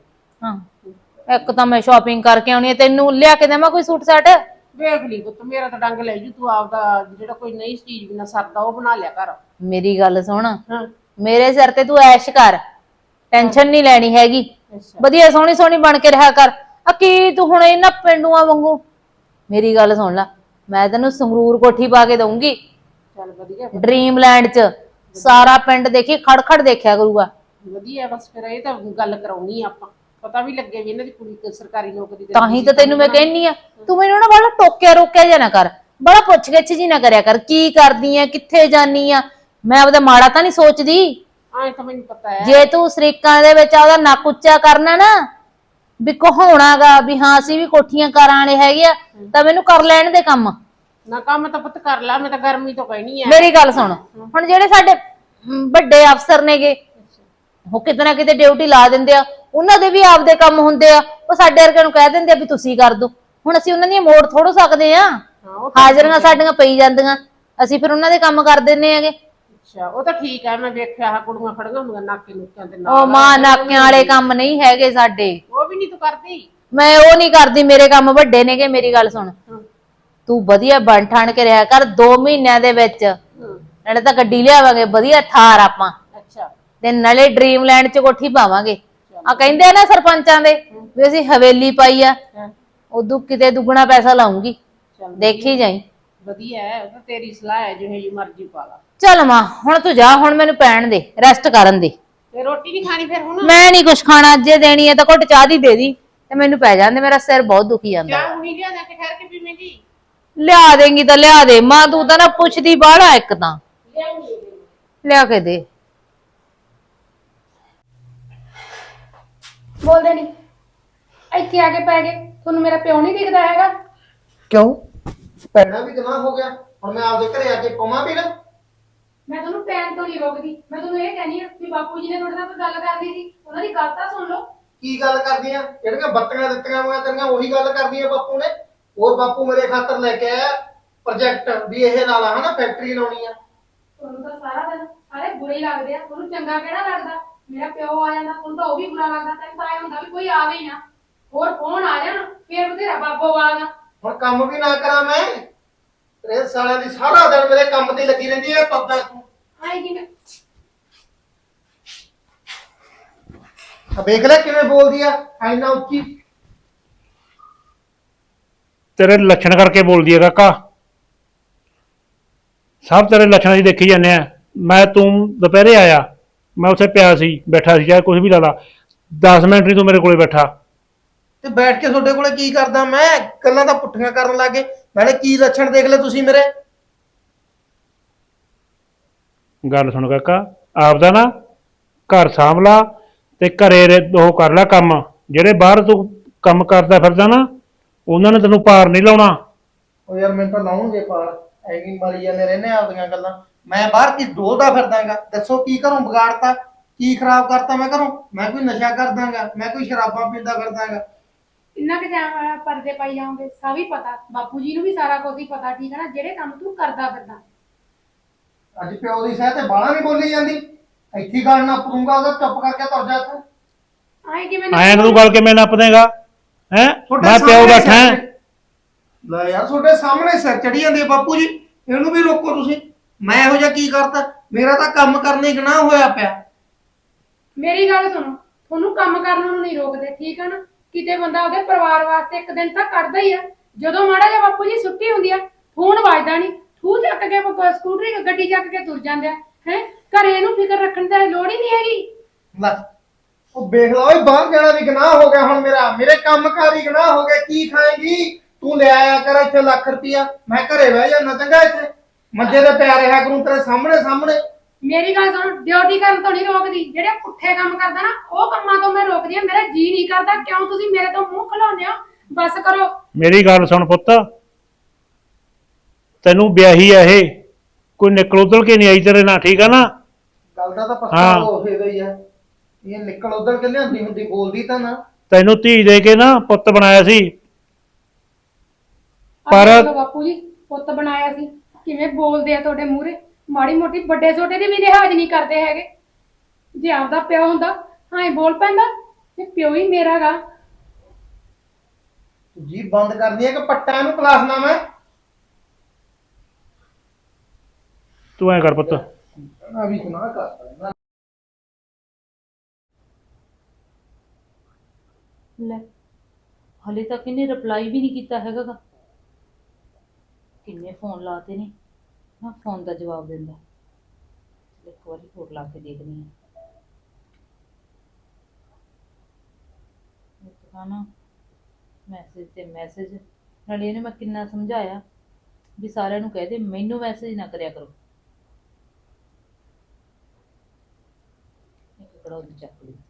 Speaker 2: ਹਾਂ, ਇੱਕ ਤਾਂ ਮੈਂ ਸ਼ਾਪਿੰਗ ਕਰਕੇ ਆਉਣੀ ਹੈ, ਤੈਨੂੰ ਲਿਆ ਕੇ ਦੇਵਾਂ ਕੋਈ ਸੂਟ ਸਾਟ?
Speaker 6: ਵੇਖ ਲਈ ਪੁੱਤ, ਮੇਰਾ ਤਾਂ ਡੰਗ ਲੈ ਜੂ, ਤੂੰ ਆਪਦਾ ਜਿਹੜਾ ਕੋਈ ਨਈ ਚੀਜ਼ ਬਿਨਾ ਸਰਦਾ ਉਹ ਬਣਾ ਲਿਆ ਕਰ।
Speaker 2: ਮੇਰੀ ਗੱਲ ਸੁਣ,
Speaker 6: ਹਾਂ।
Speaker 2: ਮੇਰੇ ਸਿਰ ਤੇ ਤੂੰ ਐਸ਼ ਕਰ, ਟੈਨਸ਼ਨ ਨਹੀਂ ਲੈਣੀ ਹੈਗੀ।
Speaker 6: ਅੱਛਾ।
Speaker 2: ਵਧੀਆ ਸੋਹਣੀ ਸੋਹਣੀ ਬਣ ਕੇ ਰਿਹਾ ਕਰ। ਆ ਕੀ ਤੂੰ ਹੁਣ ਇਹਨਾਂ ਪਿੰਡੂਆਂ ਵਾਂਗੂ? ਮੇਰੀ ਗੱਲ ਸੁਣ ਲੈ, ਮੈਂ ਤੈਨੂੰ ਸੰਗਰੂਰ ਕੋਠੀ ਪਾ ਕੇ ਦਊਂਗੀ,
Speaker 6: ਚੱਲ ਵਧੀਆ
Speaker 2: ਡ੍ਰੀਮਲੈਂਡ ਚ। ਸਾਰਾ ਪਿੰਡ ਦੇਖੀ ਖੜ ਦੇਖਿਆ ਕਰੂਗਾ।
Speaker 6: ਵਧੀਆ। ਬਸ ਫਿਰ ਇਹ ਤਾਂ ਗੱਲ ਕਰਾਉਣੀ ਆ ਆਪਾਂ, ਪਤਾ ਵੀ ਲੱਗੇ ਵੀ ਇਹਨਾਂ ਦੀ ਕੁੜੀ ਸਰਕਾਰੀ ਨੌਕਰੀ ਤੇ
Speaker 2: ਤਾਂ ਹੀ ਤਾਂ ਤੈਨੂੰ ਮੈਂ ਕਹਿੰਨੀ ਆ, ਤੂੰ ਮੈਨੂੰ ਨਾ ਬੜਾ ਟੋਕਿਆ ਰੋਕਿਆ ਜਾਂ ਨਾ ਕਰ, ਬੜਾ ਪੁੱਛ ਗਿੱਛ ਜੀ ਨਾ ਕਰਿਆ ਕਰ। ਕੀ ਕਰਦੀ ਆ, ਕਿੱਥੇ ਜਾਨੀ ਆ? ਮੈਂ ਆਪਦਾ ਮਾੜਾ ਤਾਂ ਨਹੀਂ ਸੋਚਦੀ।
Speaker 6: ਆਏ ਤਾਂ ਮੈਨੂੰ ਪਤਾ ਹੈ।
Speaker 2: ਜੇ ਤੂੰ ਸ਼ਰੀਕਾਂ ਦੇ ਵਿੱਚ ਆਪਦਾ ਨੱਕ ਉੱਚਾ ਕਰਨਾ ਨਾ, ਵੀ ਕਹਾਉਣਾਗਾ ਵੀ ਹਾਂ ਅਸੀਂ ਵੀ ਕੋਠੀਆਂ ਕਰਾਂ ਵਾਲੇ ਹੈਗੇ ਆ, ਤਾਂ ਮੈਨੂੰ ਕਰ ਲੈਣ ਦੇ ਕੰਮ।
Speaker 6: ਨਾ ਕੰਮ ਤਾਂ ਪੁੱਤ ਕਰ ਲਾ, ਮੈਂ ਤਾਂ ਗਰਮੀ ਤੋਂ ਕਹਿਣੀ ਆ।
Speaker 2: ਮੇਰੀ ਗੱਲ ਸੁਣ, ਹੁਣ ਜਿਹੜੇ ਸਾਡੇ ਵੱਡੇ ਅਫਸਰ ਨੇਗੇ, ਉਹ ਕਿਤੇ ਨਾ ਕਿਤੇ ਡਿਊਟੀ ਲਾ ਦਿੰਦੇ ਆ, ਉਹਨਾਂ ਦੇ ਵੀ ਆਪਦੇ ਕੰਮ ਹੁੰਦੇ ਆ, ਉਹ ਸਾਡੇ ਵਰਗਿਆਂ ਨੂੰ ਕਹਿ ਦਿੰਦੇ ਆ ਵੀ ਤੁਸੀਂ ਕਰ ਦੋ। ਹੁਣ ਅਸੀਂ ਉਹਨਾਂ ਦੀਆਂ ਮੋੜ ਥੋੜੋ ਸਕਦੇ ਆ, ਹਾਜ਼ਰੀਆਂ ਸਾਡੀਆਂ ਪਈ ਜਾਂਦੀਆਂ, ਅਸੀਂ ਫਿਰ ਉਹਨਾਂ ਦੇ ਕੰਮ ਕਰ ਦਿੰਨੇ ਆਗੇ।
Speaker 6: ਅੱਛਾ, ਉਹ ਤਾਂ ਠੀਕ ਹੈ। ਮੈਂ ਵੇਖਿਆ ਆ ਕੁੜੀਆਂ ਖੜੀਆਂ ਹੁੰਦੀਆਂ ਨਾਕੇ ਨੁਕਿਆਂ ਦੇ
Speaker 2: ਉਹ
Speaker 6: ਨਾਲ।
Speaker 2: ਮਾਂ ਨਾਕਿਆਂ ਵਾਲੇ ਕੰਮ ਨਹੀਂ ਹੈਗੇ ਸਾਡੇ।
Speaker 6: ਉਹ ਵੀ ਨਹੀਂ ਤੂੰ ਕਰਦੀ?
Speaker 2: ਮੈਂ ਉਹ ਨਹੀਂ ਕਰਦੀ, ਮੇਰੇ ਕੰਮ ਵੱਡੇ ਨੇਗੇ। ਮੇਰੀ ਗੱਲ ਸੁਣ, ਤੂੰ ਵਧੀਆ ਬਣ ਠਾਣ ਕੇ ਰਿਹਾ ਕਰ 2 ਮਹੀਨਿਆਂ ਦੇ ਵਿੱਚ। ਨਾਲੇ ਤਾਂ ਗੱਡੀ ਲਿਆਵਾਂਗੇ ਵਧੀਆ ਥਾਰ ਆਪਾਂ,
Speaker 6: ਅੱਛਾ।
Speaker 2: ਤੇ ਨਾਲੇ ਡ੍ਰੀਮਲੈਂਡ ਚ ਕੋਠੀ ਪਾਵਾਂਗੇ। ਆ ਕਹਿੰਦੇ ਆ ਨਾ ਸਰਪੰਚਾਂ ਦੇ ਵੀ ਅਸੀਂ ਹਵੇਲੀ ਪਾਈ ਆ, ਉਦੋਂ ਕਿਤੇ ਦੁੱਗਣਾ ਪੈਸਾ ਲਾਉਂਗੀ, ਦੇਖੀ ਜਾਈ।
Speaker 6: ਵਧੀਆ ਹੈ, ਉਹ ਤਾਂ ਤੇਰੀ ਸਲਾਹ ਹੈ, ਜਿਹੇ ਜੀ ਮਰਜ਼ੀ ਪਾ ਲਾ।
Speaker 2: ਚੱਲ ਮਾਂ, ਹੁਣ ਤੂੰ ਜਾ, ਹੁਣ ਮੈਨੂੰ ਪੈਣ ਦੇ, ਰੈਸਟ ਕਰਨ ਦੇ।
Speaker 6: ਤੇ ਰੋਟੀ ਨਹੀਂ ਖਾਣੀ ਫਿਰ ਹੁਣ?
Speaker 2: ਮੈਂ ਨਹੀਂ ਕੁਛ ਖਾਣਾ, ਜੇ ਦੇਣੀ ਹੈ ਤਾਂ ਘੁੱਟ ਚਾਹ ਦੀ ਦੇ ਦੀ, ਤੇ ਮੈਨੂੰ ਪੈ ਜਾਂਦੇ, ਮੇਰਾ ਸਿਰ ਬਹੁਤ ਦੁਖੀ ਜਾਂਦਾ।
Speaker 6: ਚਾਹ ਹੁਣੀ ਲਿਆ ਜਾ ਕੇ ਠਹਿਰ ਕੇ ਪੀਵੇਂਗੀ?
Speaker 2: ਲਿਆ ਦੇਂਗੀ ਤਾਂ ਲਿਆ ਦੇ ਮਾਂ, ਤੂੰ ਤਾਂ ਨਾ ਪੁੱਛਦੀ ਬਾਹਲਾ ਇੱਕ ਤਾਂ।
Speaker 6: ਲਿਆਉਂਗੀ।
Speaker 2: ਲਿਆ ਕੇ ਦੇ।
Speaker 4: ਬੋਲਦੇ ਨਹੀਂ, ਇੱਥੇ ਆ ਕੇ ਪੈ ਗਏ। ਤੁਹਾਨੂੰ ਮੇਰਾ ਪਿਓ ਨਹੀਂ ਦਿਖਦਾ ਹੈਗਾ?
Speaker 1: ਕਿਉਂ? ਪੈਣਾ ਵੀ ਗੁਨਾਹ ਹੋ ਗਿਆ, ਹੁਣ ਮੈਂ ਆਪਦੇ ਘਰੇ ਆ ਕੇ ਪਵਾਂ ਵੀ ਨਾ?
Speaker 4: ਮੈਂ ਤੁਹਾਨੂੰ ਪੈਣ ਤੋਂ ਨਹੀਂ ਰੋਕਦੀ, ਮੈਂ ਤੁਹਾਨੂੰ ਇਹ ਕਹਿੰਦੀ ਆ ਵੀ ਬਾਪੂ ਜੀ ਨੇ ਤੁਹਾਡੇ ਨਾਲ ਕੋਈ ਗੱਲ ਕਰਨੀ ਸੀ, ਉਹਨਾਂ ਦੀ ਗੱਲ ਤਾਂ ਸੁਣ ਲਓ।
Speaker 1: ਕੀ ਗੱਲ ਕਰਦੀ ਆ? ਜਿਹੜੀਆਂ ਬੱਤੀਆਂ ਦਿੱਤੀਆਂ ਹੋਈਆਂ ਤੇਰੀਆਂ ਉਹੀ ਗੱਲ ਕਰਦੀ ਆ ਬਾਪੂ ਨੇ? ਹੋਰ ਬਾਪੂ ਮੇਰੇ ਖਾਤਰ ਲੈ ਕੇ ਆਇਆ ਪ੍ਰੋਜੈਕਟ ਵੀ ਇਹ ਨਾਲ ਆ ਹਨਾ, ਫੈਕਟਰੀ ਲਾਉਣੀ ਆ।
Speaker 4: ਤੁਹਾਨੂੰ ਤਾਂ ਸਾਰਾ ਦਿਨ ਸਾਰੇ ਬੁਰੇ ਹੀ ਲੱਗਦੇ ਆ, ਤੁਹਾਨੂੰ ਚੰਗਾ ਕਿਹੜਾ ਲੱਗਦਾ? ਮੇਰਾ ਪਿਓ ਆ ਜਾਂਦਾ, ਤੁਹਾਨੂੰ ਤਾਂ ਉਹ ਵੀ ਬੁਰਾ ਲੱਗਦਾ। ਤੈਨੂੰ ਤਾਂ ਐ ਹੁੰਦਾ ਵੀ ਕੋਈ ਆਵੇ ਹੀ ਨਾ, ਹੋਰ ਫੋਨ ਆ ਜਾਣ ਫੇਰ ਬਥੇਰਾ ਬਾਬੋ ਵਾਲਾ।
Speaker 1: ਹੁਣ ਕੰਮ ਵੀ ਨਾ ਕਰਾਂ ਮੈਂ? ਤੇਰੇ ਸਾਲਿਆਂ ਦੀ ਸਾਰਾ ਦਿਨ ਮੇਰੇ ਕੰਮ ਤੇ ਲੱਗੀ ਰਹਿੰਦੀ ਹੈ। ਪੱਦਾ ਤੂੰ
Speaker 4: ਆਏ ਕਿਵੇਂ?
Speaker 1: ਵੇਖ ਲੈ ਕਿਵੇਂ ਬੋਲਦੀ ਆ, ਐਨਾ ਉੱਚੀ।
Speaker 3: ਤੇਰੇ ਲੱਛਣ ਕਰਕੇ ਬੋਲਦੀ ਹੈ ਕਾਕਾ, ਸਭ ਤੇਰੇ ਲੱਛਣਾਂ ਦੀ ਦੇਖੀ ਜਾਂਦੇ ਆ। ਮੈਂ ਤੂੰ ਦੁਪਹਿਰੇ ਆਇਆ, ਮੈਂ ਉੱਥੇ ਪਿਆ ਸੀ, ਬੈਠਾ ਸੀ, ਚਾਹੇ ਕੁਝ ਵੀ ਲਾ ਲਾ, 10 ਮਿੰਟ ਨਹੀਂ ਤੂੰ ਮੇਰੇ ਕੋਲੇ ਬੈਠਾ।
Speaker 1: ਤੇ ਬੈਠ ਕੇ ਤੁਹਾਡੇ ਕੋਲੇ ਕੀ ਕਰਦਾ ਮੈਂ? ਗੱਲਾਂ ਤਾਂ ਪੁੱਠੀਆਂ ਕਰਨ ਲੱਗੇ। ਨਾਲੇ ਕੀ ਲੱਛਣ ਦੇਖ ਲੈ ਤੁਸੀਂ ਮੇਰੇ।
Speaker 3: ਗੱਲ ਸੁਣ ਕਾਕਾ, ਆਪਦਾ ਨਾ ਘਰ ਸਾਂਭ ਲਾ ਤੇ ਘਰੇ ਉਹ ਕਰ ਲੈ ਕੰਮ। ਜਿਹੜੇ ਬਾਹਰ ਤੂੰ ਕੰਮ ਕਰਦਾ ਫਿਰਦਾ ਨਾ, ਉਹਨਾਂ ਨੇ ਤੈਨੂੰ ਪਾਰ ਨਹੀਂ ਲਾਉਣਾ।
Speaker 1: ਉਹ ਯਾਰ ਮੈਨੂੰ ਤਾਂ ਲਾਉਣਗੇ ਪਾਰ, ਐਵੇਂ ਮਾਰੀ ਜਾਂਦੇ ਰਹਿੰਦੇ ਆਪਦੀਆਂ ਗੱਲਾਂ। ਮੈਂ ਬਾਹਰ ਕੀ ਡੋਲਦਾ ਫਿਰਦਾਗਾ? ਦੱਸੋ ਕੀ ਕਰੂੰ? ਵਿਗਾੜਤਾ ਕੀ ਖਰਾਬ ਕਰਤਾ ਮੈਂ ਕਰੂੰ? ਮੈਂ ਕੋਈ ਨਸ਼ਾ ਕਰਦਾਗਾ? ਮੈਂ ਕੋਈ ਸ਼ਰਾਬਾਂ ਪੀਂਦਾ ਫਿਰਦਾਗਾ?
Speaker 4: ਇੰਨਾ ਕਿ ਟਾਈਮ ਪਰਦੇ ਪਾਈ ਜਾਓਗੇ? ਸਭ ਹੀ ਪਤਾ, ਬਾਪੂ ਜੀ ਨੂੰ ਵੀ ਸਾਰਾ ਕੁਝ ਹੀ ਪਤਾ, ਠੀਕ ਹੈ ਨਾ? ਜਿਹੜੇ ਕੰਮ ਤੂੰ ਕਰਦਾ ਫਿਰਦਾ।
Speaker 1: ਅੱਜ ਪਿਓ ਦੀ ਸਹਿ ਤੇ ਬਾਹਲਾ ਨਹੀਂ ਬੋਲੀ ਜਾਂਦੀ। ਇੱਥੇ ਗੱਲ ਨਾ ਪਰੂੰਗਾ, ਉਹਦਾ ਚੁੱਪ ਕਰਕੇ ਤੁਰ ਜਾ ਤੂੰ।
Speaker 4: ਆਏ ਕਿਵੇਂ?
Speaker 3: ਐਂ ਤੂੰ ਗੱਲ ਕਿਵੇਂ ਨੱਪ ਦੇਗਾ ਹੈ? ਮੈਂ ਪਿਓ ਬੈਠਾ ਹੈ।
Speaker 1: ਲੈ ਯਾਰ, ਤੁਹਾਡੇ ਸਾਹਮਣੇ ਸਿਰ ਚੜੀ ਜਾਂਦੀ ਹੈ ਬਾਪੂ ਜੀ, ਇਹਨੂੰ ਵੀ ਰੋਕੋ ਤੁਸੀਂ। ਮੈਂ ਇਹੋ ਜਿਹਾ ਕੀ ਕਰਤਾ? ਮੇਰਾ ਤਾਂ ਕੰਮ ਕਰਨੇ ਗੁਨਾਹ ਹੋਇਆ ਪਿਆ।
Speaker 4: ਮੇਰੀ ਗੱਲ ਸੁਣੋ, ਤੁਹਾਨੂੰ ਕੰਮ ਕਰਨ ਨੂੰ ਨਹੀਂ ਰੋਕਦੇ, ਠੀਕ ਹੈ ਨਾ? ਕਿਤੇ ਬੰਦਾ ਉਹਦੇ ਪਰਿਵਾਰ ਵਾਸਤੇ ਇੱਕ ਦਿਨ ਤਾਂ ਕੱਢਦਾ ਹੀ ਆ। ਜਦੋਂ ਮਾੜਾ ਜਿਹਾ ਬਾਪੂ ਜੀ ਛੁੱਟੀ ਹੁੰਦੀ ਆ, ਫੋਨ ਵੱਜਦਾ ਨਹੀਂ, ਠੂ ਚੱਕ ਕੇ ਸਕੂਟਰੀ ਗੱਡੀ ਚੱਕ ਕੇ ਤੁਰ ਜਾਂਦੇ ਆ। ਹੈ ਘਰੇ ਇਹਨੂੰ ਫਿਕਰ ਰੱਖਣ ਦੀ ਲੋੜ ਹੀ ਨਹੀਂ ਹੈਗੀ।
Speaker 1: ਲੈ ਉਹ ਵੇਖ ਲਾ ਓਏ, ਬਾਹਰ ਜਾਣਾ ਵੀ ਗੁਨਾਹ ਹੋ ਗਿਆ ਹੁਣ ਮੇਰਾ। ਮੇਰੇ ਕੰਮਕਾਰ ਹੀ ਗੁਨਾਹ ਹੋ ਗਏ। ਕੀ ਖਾਏਂਗੀ ਤੂੰ? ਲੈ ਆਇਆ ਕਰ ਇੱਥੇ ਲੱਖ ਰੁਪਇਆ, ਮੈਂ ਘਰੇ ਬਹਿ ਜਾਣਾ ਚੰਗਾ। ਇੱਥੇ ਮੰਜੇ ਤੇ ਪਿਆ ਰਿਹਾ ਕਰੂੰ ਤੇਰੇ ਸਾਹਮਣੇ ਸਾਹਮਣੇ।
Speaker 4: ਮੇਰੀ ਗੱਲ ਸੁਣ, ਡਿਊਟੀ ਕਰਨ ਤੋਂ ਨਹੀਂ ਰੋਕਦੀ, ਜਿਹੜੇ ਪੁੱਠੇ ਕੰਮ ਕਰਦਾ ਨਾ ਉਹ ਕੰਮਾਂ ਤੋਂ ਮੈਂ ਰੋਕਦੀ ਆ। ਮੇਰਾ ਜੀ ਨਹੀਂ ਕਰਦਾ, ਕਿਉਂ ਤੁਸੀਂ ਮੇਰੇ ਤੋਂ ਮੂੰਹ ਖਲਾਉਂਦੇ ਹੋ? ਬਸ ਕਰੋ।
Speaker 3: ਮੇਰੀ ਗੱਲ ਸੁਣ ਪੁੱਤ, ਤੈਨੂੰ ਵਿਆਹੀ ਆ ਇਹ, ਕੋਈ ਨਿਕਲ ਉਦਲ ਕੇ ਨਹੀਂ ਆਈ ਤੇਰੇ ਨਾਲ, ਠੀਕ ਆ ਨਾ?
Speaker 1: ਗੱਲ ਦਾ ਤਾਂ
Speaker 3: ਹਾਂ।
Speaker 1: ਪਛਤਾਵਾ ਹੋਵੇ ਗਈ ਆ। ਇਹ ਨਿਕਲ ਉਧਰ ਕੇ ਲਿਆਂਦੀ ਹੁੰਦੀ, ਬੋਲਦੀ ਤਾਂ ਨਾ।
Speaker 3: ਤੈਨੂੰ ਧੀ ਦੇ ਕੇ ਨਾ ਪੁੱਤ ਬਣਾਇਆ ਸੀ। ਪਰ
Speaker 4: ਪਰ ਬਾਪੂ ਜੀ ਪੁੱਤ ਬਣਾਇਆ ਸੀ, ਕਿਵੇਂ ਬੋਲਦੇ ਆ ਤੁਹਾਡੇ ਮੂਹਰੇ। ਮਾੜੀ ਮੋਟੀ ਵੱਡੇ ਛੋਟੇ ਦੀ ਵੀ ਲਿਹਾਜ਼ ਨਹੀਂ ਕਰਦੇ ਹੈਗੇ। ਜੇ ਆਪਦਾ ਪਿਓ ਹੁੰਦਾ ਹਾਂ ਬੋਲ ਪੈਂਦਾ, ਤੇ ਪਿਓ ਹੀ ਮੇਰਾ ਗਾ।
Speaker 1: ਜੀ ਬੰਦ ਕਰਦੀ ਹੈ ਕਿ ਪੱਟਾ ਨੂੰ ਕਲਾਸ ਨਾ ਮੈਂ।
Speaker 3: ਤੂੰ ਐ ਕਰ ਪੁੱਤ,
Speaker 1: ਆ ਵੀ ਸੁਣਾ ਕਰ
Speaker 2: ਲੈ ਹਲੇ ਤੱਕ ਇਹਨੇ ਰਿਪਲਾਈ ਵੀ ਨਹੀਂ ਕੀਤਾ ਹੈਗਾ ਗਾ। ਕਿੰਨੇ ਫੋਨ ਲਾਤੇ ਨੇ, ਨਾ ਫੋਨ ਦਾ ਜਵਾਬ ਦਿੰਦਾ। ਇੱਕ ਵਾਰੀ ਹੋਰ ਲਾ ਕੇ ਦੇਖਦੀ ਹਾਂ। ਇੱਕ ਨਾ ਮੈਸੇਜ ਤੇ ਮੈਸੇਜ, ਨਾਲੇ ਇਹਨੇ ਮੈਂ ਕਿੰਨਾ ਸਮਝਾਇਆ ਵੀ ਸਾਰਿਆਂ ਨੂੰ ਕਹਿ ਦੇ ਮੈਨੂੰ ਮੈਸੇਜ ਨਾ ਕਰਿਆ ਕਰੋ। ਇੱਕ ਕੜਾ ਉਹ ਚੱਕ ਲਈ।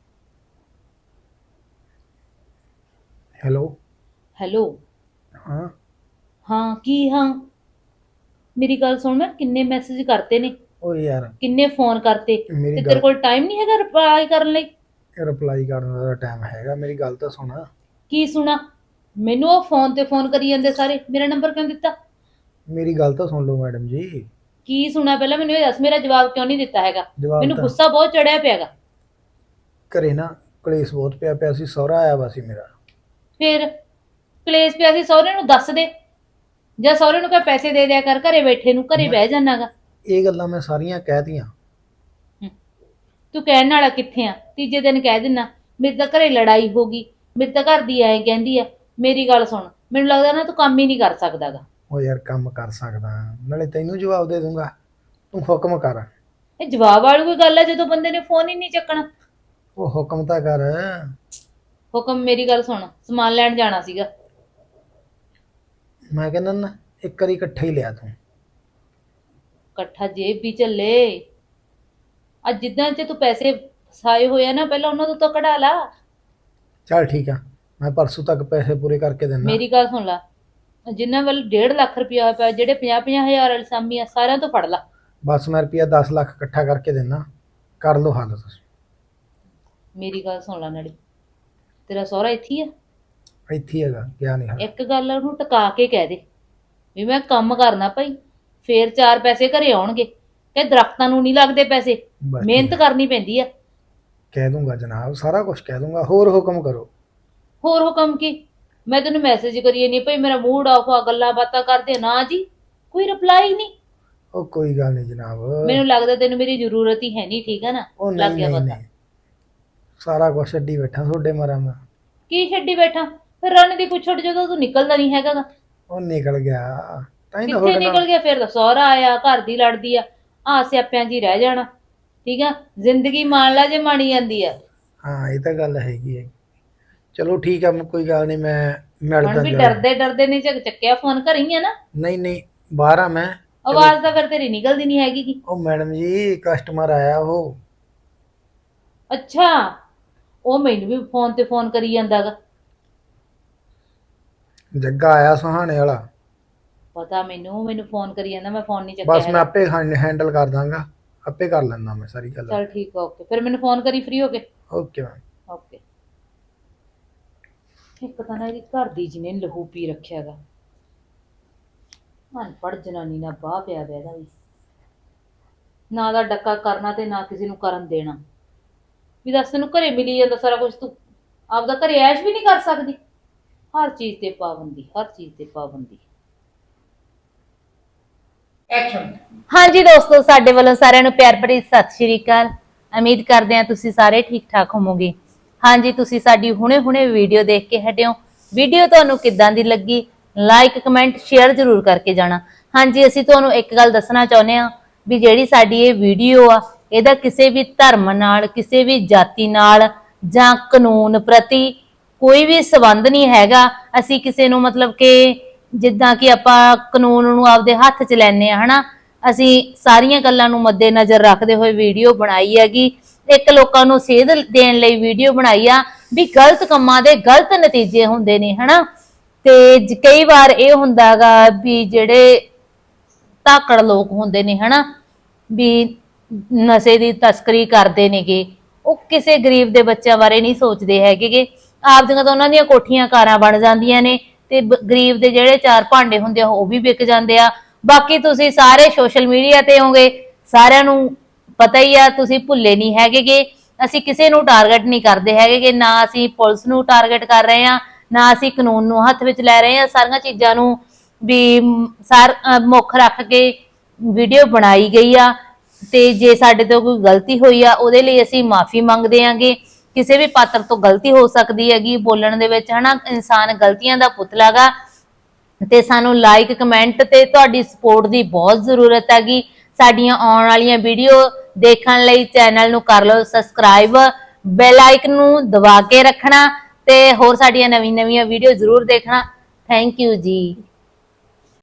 Speaker 1: ਹੈਲੋ।
Speaker 2: ਹੈਲੋ।
Speaker 1: ਹਾਂ
Speaker 2: ਹਾਂ ਕੀ ਹਾਂ? ਮੇਰੀ ਗੱਲ ਸੁਣ, ਮੈਂ ਕਿੰਨੇ ਮੈਸੇਜ ਕਰਤੇ ਨੇ,
Speaker 1: ਓ ਯਾਰ
Speaker 2: ਕਿੰਨੇ ਫੋਨ ਕਰਤੇ,
Speaker 1: ਮੇਰੀ
Speaker 2: ਤੇ
Speaker 1: ਗੱਲ-
Speaker 2: ਤੇਰੇ ਕੋਲ ਟਾਈਮ ਨਹੀਂ ਹੈਗਾ ਰਿਪਲਾਈ ਕਰਨ ਲਈ?
Speaker 1: ਰਿਪਲਾਈ ਕਰਨ ਦਾ ਟਾਈਮ ਹੈਗਾ, ਮੇਰੀ ਗੱਲ ਤਾਂ ਸੁਣ।
Speaker 2: ਕੀ ਸੁਣਾ? ਮੈਨੂੰ ਉਹ ਫੋਨ ਤੇ ਫੋਨ ਕਰੀ ਜਾਂਦੇ ਸਾਰੇ, ਮੇਰਾ ਨੰਬਰ ਕਿਉਂ ਦਿੱਤਾ?
Speaker 1: ਮੇਰੀ ਗੱਲ ਤਾਂ ਸੁਣ ਲਓ ਮੈਡਮ ਜੀ।
Speaker 2: ਕੀ ਸੁਣਾ ਪਹਿਲਾਂ ਮੈਨੂੰ ਇਹ ਦੱਸ, ਮੇਰਾ ਜਵਾਬ ਕਿਉਂ ਨਹੀਂ ਦਿੱਤਾ ਹੈਗਾ?
Speaker 1: ਜਵਾਬ
Speaker 2: ਮੈਨੂੰ
Speaker 1: ਤਾਂ-
Speaker 2: ਗੁੱਸਾ ਬਹੁਤ ਚੜਿਆ ਪਿਆਗਾ।
Speaker 1: ਘਰੇ ਨਾ ਕਲੇਸ਼ ਬਹੁਤ ਪਿਆ ਸੀ, ਸਹੁਰਾ ਆਇਆ ਵਾ ਸੀ ਮੇਰਾ।
Speaker 2: ਫਿਰ ਕਲੇਸ਼ ਪਿਆ ਸੀ, ਸਹੁਰੇ ਨੂੰ ਦੱਸ ਦੇ, ਜਾਂ ਸਹੁਰੇ ਨੂੰ ਕਹ ਪੈਸੇ ਦੇ ਦਿਆ ਕਰ, ਘਰੇ ਬੈਠੇ ਨੂੰ, ਘਰੇ ਬਹਿ ਜਾਣਾਗਾ।
Speaker 1: ਇਹ ਗੱਲਾਂ ਮੈਂ ਸਾਰੀਆਂ ਕਹਿਤੀਆਂ।
Speaker 2: ਤੂੰ ਕਹਿਣ ਵਾਲਾ ਕਿੱਥੇ ਆ? ਤੀਜੇ ਦਿਨ ਕਹਿ ਦਿੰਨਾ ਮੇਰੇ ਤਾਂ ਘਰੇ ਲੜਾਈ ਹੋ ਗਈ, ਮੇਰੇ ਤਾਂ ਘਰ ਦੀ ਐਂ ਕਹਿੰਦੀ ਆ। ਮੇਰੀ ਗੱਲ ਸੁਣ, ਮੈਨੂੰ ਲੱਗਦਾ ਨਾ ਤੂੰ ਕੰਮ ਹੀ ਨਹੀਂ ਕਰ ਸਕਦਾਗਾ।
Speaker 1: ਉਹ ਯਾਰ ਕੰਮ ਕਰ ਸਕਦਾ, ਨਾਲੇ ਤੈਨੂੰ ਜਵਾਬ ਦੇ ਦੂੰਗਾ, ਤੂੰ ਹੁਕਮ ਕਰ।
Speaker 2: ਇਹ ਜਵਾਬ ਵਾਲੀ ਕੋਈ ਗੱਲ ਹੈ ਜਦੋਂ ਬੰਦੇ ਨੇ ਫੋਨ ਹੀ ਨਹੀਂ ਚੱਕਣਾ?
Speaker 1: ਉਹ ਹੁਕਮ ਤਾਂ ਕਰ।
Speaker 2: ਹੁਕਮ, ਮੇਰੀ ਗੱਲ ਸੁਣ, ਸਮਾਨ ਲੈਣ ਜਾਣਾ ਸੀਗਾ।
Speaker 1: ਮੈਂ ਕਹਿੰਦਾ ਨਾ ਇੱਕ ਵਾਰੀ ਇਕੱਠਾ ਹੀ ਲਿਆ ਤੂੰ।
Speaker 2: ਇਕੱਠਾ ਜੇਬ ਵੀ ਚੱਲੇ। ਅੱਜ ਜਿੱਦਾਂ ਚ ਤੂੰ ਪੈਸੇ ਫਸਾਏ ਹੋਏ ਆ ਨਾ, ਪਹਿਲਾਂ ਉਹਨਾਂ ਤੋਂ ਤਾਂ ਕਢਾ ਲਾ।
Speaker 1: ਚੱਲ ਠੀਕ ਆ, ਮੈਂ ਪਰਸੋਂ ਤੱਕ ਪੈਸੇ ਪੂਰੇ ਕਰਕੇ ਦਿੰਦਾ।
Speaker 2: ਮੇਰੀ ਗੱਲ ਸੁਣ ਲਾ, ਜਿਨ੍ਹਾਂ ਵੱਲ 1.5 ਲੱਖ ਰੁਪਇਆ ਪਿਆ, ਜਿਹੜੇ 50-50 ਹਜ਼ਾਰ ਵਾਲੀ ਸਾਮੀ ਆ, ਸਾਰਿਆਂ ਤੋਂ ਫੜ ਲਾ।
Speaker 1: ਬਸ ਮੈਂ ਰੁਪਿਆ 10 ਲੱਖ ਇਕੱਠਾ ਕਰਕੇ ਦਿੰਦਾ, ਕਰ ਲਓ ਹੱਲ ਤੁਸੀਂ।
Speaker 2: ਮੇਰੀ ਗੱਲ ਸੁਣ ਲਾ, ਨਾਲੇ ਤੇਰਾ ਸਹੁਰਾ ਇੱਥੇ ਹੀ ਆ?
Speaker 1: ਇੱਥੇ ਹੀ ਹੈਗਾ, ਗਿਆ ਨਹੀਂ ਹਾਲੇ।
Speaker 2: ਇੱਕ ਗੱਲ ਉਹਨੂੰ ਟਿਕਾ ਕੇ ਕਹਿ ਦੇ ਵੀ ਮੈਂ ਕੰਮ ਕਰਨਾ ਭਾਈ, ਫੇਰ 4 ਪੈਸੇ ਘਰੇ ਆਉਣਗੇ। ਤੇ ਦਰਖਤਾਂ ਨੂੰ ਨਹੀਂ ਲੱਗਦੇ ਪੈਸੇ,
Speaker 1: ਬਸ
Speaker 2: ਮਿਹਨਤ ਕਰਨੀ ਪੈਂਦੀ ਆ।
Speaker 1: ਕਹਿ ਦੂੰਗਾ ਜਨਾਬ, ਸਾਰਾ ਕੁਝ ਕਹਿ ਦੂੰਗਾ। ਹੋਰ ਹੁਕਮ ਕਰੋ।
Speaker 2: ਹੋਰ ਹੁਕਮ ਕੀ? ਮੈਂ ਤੈਨੂੰ ਮੈਸੇਜ ਕਰੀਏ ਨਹੀਂ ਭਾਈ, ਮੇਰਾ ਮੂਡ ਆਫ ਆ, ਗੱਲਾਂ ਬਾਤਾਂ ਕਰਦੇ ਨਾ ਜੀ, ਕੋਈ ਰਿਪਲਾਈ ਨਹੀਂ।
Speaker 1: ਉਹ ਕੋਈ ਗੱਲ ਨਹੀਂ ਜਨਾਬ।
Speaker 2: ਮੈਨੂੰ ਲੱਗਦਾ ਤੈਨੂੰ ਮੇਰੀ ਜ਼ਰੂਰਤ ਹੀ ਹੈ ਨਹੀਂ, ਠੀਕ ਹੈ ਨਾ?
Speaker 1: ਉਹ
Speaker 2: ਲੱਗ
Speaker 1: ਨਹੀਂ
Speaker 2: ਗਿਆ
Speaker 1: ਨਹੀਂ
Speaker 2: ਪਤਾ।
Speaker 1: ਨਹੀਂ, ਸਾਰਾ ਕੁਝ ਛੱਡੀ ਬੈਠਾ ਤੁਹਾਡੇ ਮਾਰਾ ਮੈਂ।
Speaker 2: ਕੀ ਛੱਡੀ ਬੈਠਾ? ਫਿਰ ਰਨ ਦੀ ਪੁੱਛੜ ਜਦੋਂ ਤੂੰ ਨਿਕਲਦਾ ਨਹੀਂ ਹੈਗਾ ਗਾ।
Speaker 1: ਉਹ ਨਿਕਲ ਗਿਆ ਤਾਂ ਹੀ ਤਾਂ
Speaker 2: ਕਿੱਥੇ
Speaker 1: ਤੁਹਾਡੇ
Speaker 2: ਨਿਕਲ
Speaker 1: ਨਾਲ।
Speaker 2: ਗਿਆ? ਫਿਰ ਤਾਂ ਸਹੁਰਾ ਆਇਆ, ਘਰ ਦੀ ਲੜਦੀ ਆ, ਆ ਸਿਆਪਿਆਂ 'ਚ ਹੀ ਰਹਿ ਜਾਣਾ। ਠੀਕ ਆ, ਜ਼ਿੰਦਗੀ ਮਾਣ ਲਾ ਜੇ ਮਾਣੀ ਜਾਂਦੀ ਆ।
Speaker 1: ਹਾਂ ਇਹ ਤਾਂ ਗੱਲ ਹੈਗੀ ਹੈ। ਚਲੋ ਠੀਕ ਆ, ਕੋਈ ਗੱਲ ਨਹੀਂ, ਮੈਂ ਮਿਲਦਾ
Speaker 2: ਹੁਣ ਵੀ
Speaker 1: ਜਾ।
Speaker 2: ਡਰਦੇ ਡਰਦੇ ਨਹੀਂ ਚੱਕਿਆ ਫੋਨ, ਘਰੀ ਆ ਨਾ?
Speaker 1: ਨਹੀਂ ਨਹੀਂ, ਬਾਹਰ ਆ ਮੈਂ।
Speaker 2: ਆਵਾਜ਼ ਤਾਂ ਫਿਰ ਤੇਰੀ ਨਿਕਲਦੀ ਨਹੀਂ ਹੈਗੀ ਕੀ?
Speaker 1: ਉਹ ਮੈਡਮ ਜੀ ਕਸਟਮਰ ਆਇਆ ਉਹ।
Speaker 2: ਅੱਛਾ, ਉਹ ਮੈਨੂੰ ਵੀ ਫੋਨ ਤੇ ਫੋਨ ਕਰੀ ਜਾਂਦਾਗਾ।
Speaker 1: ਜੱਗਾ ਆਇਆ ਸੁਹਾਣੇ ਵਾਲਾ।
Speaker 2: ਪਤਾ ਮੈਨੂੰ ਫੋਨ ਕਰੀ ਜਾਂਦਾ, ਮੈਂ ਫੋਨ ਨਹੀਂ ਚੱਕਿਆ
Speaker 1: ਬਸ ਮੈਂ
Speaker 2: ਹੈਗਾ।
Speaker 1: ਆਪੇ ਹੈਂਡਲ ਕਰ ਦਾਂਗਾ, ਆਪੇ ਕਰ ਲੈਂਦਾ ਮੈਂ ਸਾਰੀ ਗੱਲ।
Speaker 2: ਚੱਲ ਠੀਕ ਆ, ਓਕੇ, ਫਿਰ ਮੈਨੂੰ ਫੋਨ ਕਰੀ ਫ੍ਰੀ ਹੋ ਕੇ।
Speaker 1: Okay ma'am.
Speaker 2: ਓਕੇ। ਇੱਕ ਤਾਂ ਨਾ ਇਹਦੀ ਘਰ ਦੀ ਜਿਹਨੇ ਲਹੂ ਪੀ ਰੱਖਿਆਗਾ, ਅਨਪੜ੍ਹ ਜਨਾਨੀ ਨਾਲ ਬਾਹ ਪਿਆ ਪਿਆ ਇਹਦਾ ਵੀ, ਨਾ ਦਾ ਡੱਕਾ ਕਰਨਾ ਤੇ ਨਾ ਕਿਸੇ ਨੂੰ ਕਰਨ ਦੇਣਾ। ਵੀ ਦੱਸ, ਤੈਨੂੰ ਘਰੇ ਮਿਲੀ ਜਾਂਦਾ ਸਾਰਾ ਕੁਝ, ਤੂੰ ਆਪਦਾ ਘਰੇ ਐਸ਼ ਵੀ ਨਹੀਂ ਕਰ ਸਕਦੀ? ਹਰ ਚੀਜ਼ ਤੇ ਪਾਬੰਦੀ, ਹਰ ਚੀਜ਼ ਤੇ ਪਾਬੰਦੀ।
Speaker 1: ਐਕਸ਼ਨ।
Speaker 2: ਹਾਂਜੀ ਦੋਸਤੋ, ਸਾਡੇ ਵੱਲੋਂ ਸਾਰਿਆਂ ਨੂੰ ਪਿਆਰ ਭਰੀ ਸਤਿ ਸ਼੍ਰੀ ਅਕਾਲ। ਉਮੀਦ ਕਰਦੇ ਹਾਂ ਤੁਸੀਂ ਸਾਰੇ ਠੀਕ ਠਾਕ ਹੋਵੋਗੇ। ਹਾਂਜੀ, ਤੁਸੀਂ ਸਾਡੀ ਹੁਣੇ ਵੀਡੀਓ ਦੇਖ ਕੇ ਹਟਿਓ। ਵੀਡੀਓ ਤੁਹਾਨੂੰ ਕਿੱਦਾਂ ਦੀ ਲੱਗੀ, ਲਾਈਕ ਕਮੈਂਟ ਸ਼ੇਅਰ ਜ਼ਰੂਰ ਕਰਕੇ ਜਾਣਾ। ਹਾਂਜੀ, ਅਸੀਂ ਤੁਹਾਨੂੰ ਇੱਕ ਗੱਲ ਦੱਸਣਾ ਚਾਹੁੰਦੇ ਹਾਂ ਵੀ ਜਿਹੜੀ ਸਾਡੀ ਇਹ ਵੀਡੀਓ ਆ, ਇਹਦਾ ਕਿਸੇ ਵੀ ਧਰਮ ਨਾਲ, ਕਿਸੇ ਵੀ ਜਾਤੀ ਨਾਲ ਜਾਂ ਕਾਨੂੰਨ ਪ੍ਰਤੀ ਕੋਈ ਵੀ ਸੰਬੰਧ ਨਹੀਂ ਹੈਗਾ। ਅਸੀਂ ਕਿਸੇ ਨੂੰ ਮਤਲਬ ਕਿ ਜਿੱਦਾਂ ਕਿ ਆਪਾਂ ਕਾਨੂੰਨ ਨੂੰ ਆਪਦੇ ਹੱਥ 'ਚ ਲੈਂਦੇ ਆ ਹਨਾ, ਅਸੀਂ ਸਾਰੀਆਂ ਗੱਲਾਂ ਨੂੰ ਮੱਦੇਨਜ਼ਰ ਰੱਖਦੇ ਹੋਏ ਵੀਡੀਓ ਬਣਾਈ ਹੈਗੀ। ਇੱਕ ਲੋਕਾਂ ਨੂੰ ਸੇਧ ਦੇਣ ਲਈ ਵੀਡੀਓ ਬਣਾਈ ਆ ਵੀ ਗਲਤ ਕੰਮਾਂ ਦੇ ਗਲਤ ਨਤੀਜੇ ਹੁੰਦੇ ਨੇ ਹਨਾ। ਤੇ ਕਈ ਵਾਰ ਇਹ ਹੁੰਦਾਗਾ ਵੀ ਜਿਹੜੇ ਧਾਕੜ ਲੋਕ ਹੁੰਦੇ ਨੇ ਹਨਾ ਵੀ ਨਸ਼ੇ ਦੀ ਤਸਕਰੀ ਕਰਦੇ ਨੇਗੇ, ਉਹ ਕਿਸੇ ਗਰੀਬ ਦੇ ਬੱਚਿਆਂ ਬਾਰੇ ਨਹੀਂ ਸੋਚਦੇ ਹੈਗੇ। ਆਪਦੀਆਂ ਤਾਂ ਉਹਨਾਂ ਦੀਆਂ ਕੋਠੀਆਂ ਕਾਰਾਂ ਬਣ ਜਾਂਦੀਆਂ ਨੇ ਤੇ ਗਰੀਬ ਦੇ ਜਿਹੜੇ ਚਾਰ ਭਾਂਡੇ ਹੁੰਦੇ ਆ ਉਹ ਵੀ ਵਿਕ ਜਾਂਦੇ ਆ। ਬਾਕੀ ਤੁਸੀਂ ਸਾਰੇ ਸੋਸ਼ਲ ਮੀਡੀਆ ਤੇ ਹੋਗੇ, ਸਾਰਿਆਂ ਨੂੰ ਪਤਾ ਹੀ ਆ, ਤੁਸੀਂ ਭੁੱਲੇ ਨਹੀਂ ਹੈਗੇਗੇ। ਅਸੀਂ ਕਿਸੇ ਨੂੰ ਟਾਰਗੇਟ ਨਹੀਂ ਕਰਦੇ ਹੈਗੇ, ਨਾ ਅਸੀਂ ਪੁਲਿਸ ਨੂੰ ਟਾਰਗੇਟ ਕਰ ਰਹੇ ਆ, ਨਾ ਅਸੀਂ ਕਾਨੂੰਨ ਨੂੰ ਹੱਥ ਵਿੱਚ ਲੈ ਰਹੇ ਆ। ਸਾਰੀਆਂ ਚੀਜ਼ਾਂ ਨੂੰ ਵੀ ਮੁੱਖ ਰੱਖ ਕੇ ਵੀਡੀਓ ਬਣਾਈ ਗਈ ਆ। ਤੇ ਜੇ ਸਾਡੇ ਤੋਂ ਕੋਈ ਗਲਤੀ ਹੋਈ ਆ ਉਹਦੇ ਲਈ ਅਸੀਂ ਮਾਫੀ ਮੰਗਦੇ ਆਂਗੇ। ਕਿਸੇ ਵੀ ਪਾਤਰ ਤੋਂ ਗਲਤੀ ਹੋ ਸਕਦੀ ਹੈਗੀ ਬੋਲਣ ਦੇ ਵਿੱਚ ਹਨਾ, ਇਨਸਾਨ ਗਲਤੀਆਂ ਦਾ ਪੁਤਲਾ ਗਾ। ਤੇ ਸਾਨੂੰ ਲਾਈਕ ਕਮੈਂਟ ਤੇ ਤੁਹਾਡੀ ਸਪੋਰਟ ਦੀ ਬਹੁਤ ਜ਼ਰੂਰਤ ਹੈਗੀ। ਸਾਡੀਆਂ ਆਉਣ ਵਾਲੀਆਂ ਵੀਡੀਓ ਦੇਖਣ ਲਈ ਚੈਨਲ ਨੂੰ ਕਰ ਲਓ ਸਬਸਕ੍ਰਾਈਬ, ਬੈਲ ਆਈਕਨ ਨੂੰ ਦਬਾ ਕੇ ਰੱਖਣਾ ਤੇ ਹੋਰ ਸਾਡੀਆਂ ਨਵੀਂ-ਨਵੀਆਂ ਵੀਡੀਓ ਜ਼ਰੂਰ ਦੇਖਣਾ। ਥੈਂਕ ਯੂ ਜੀ।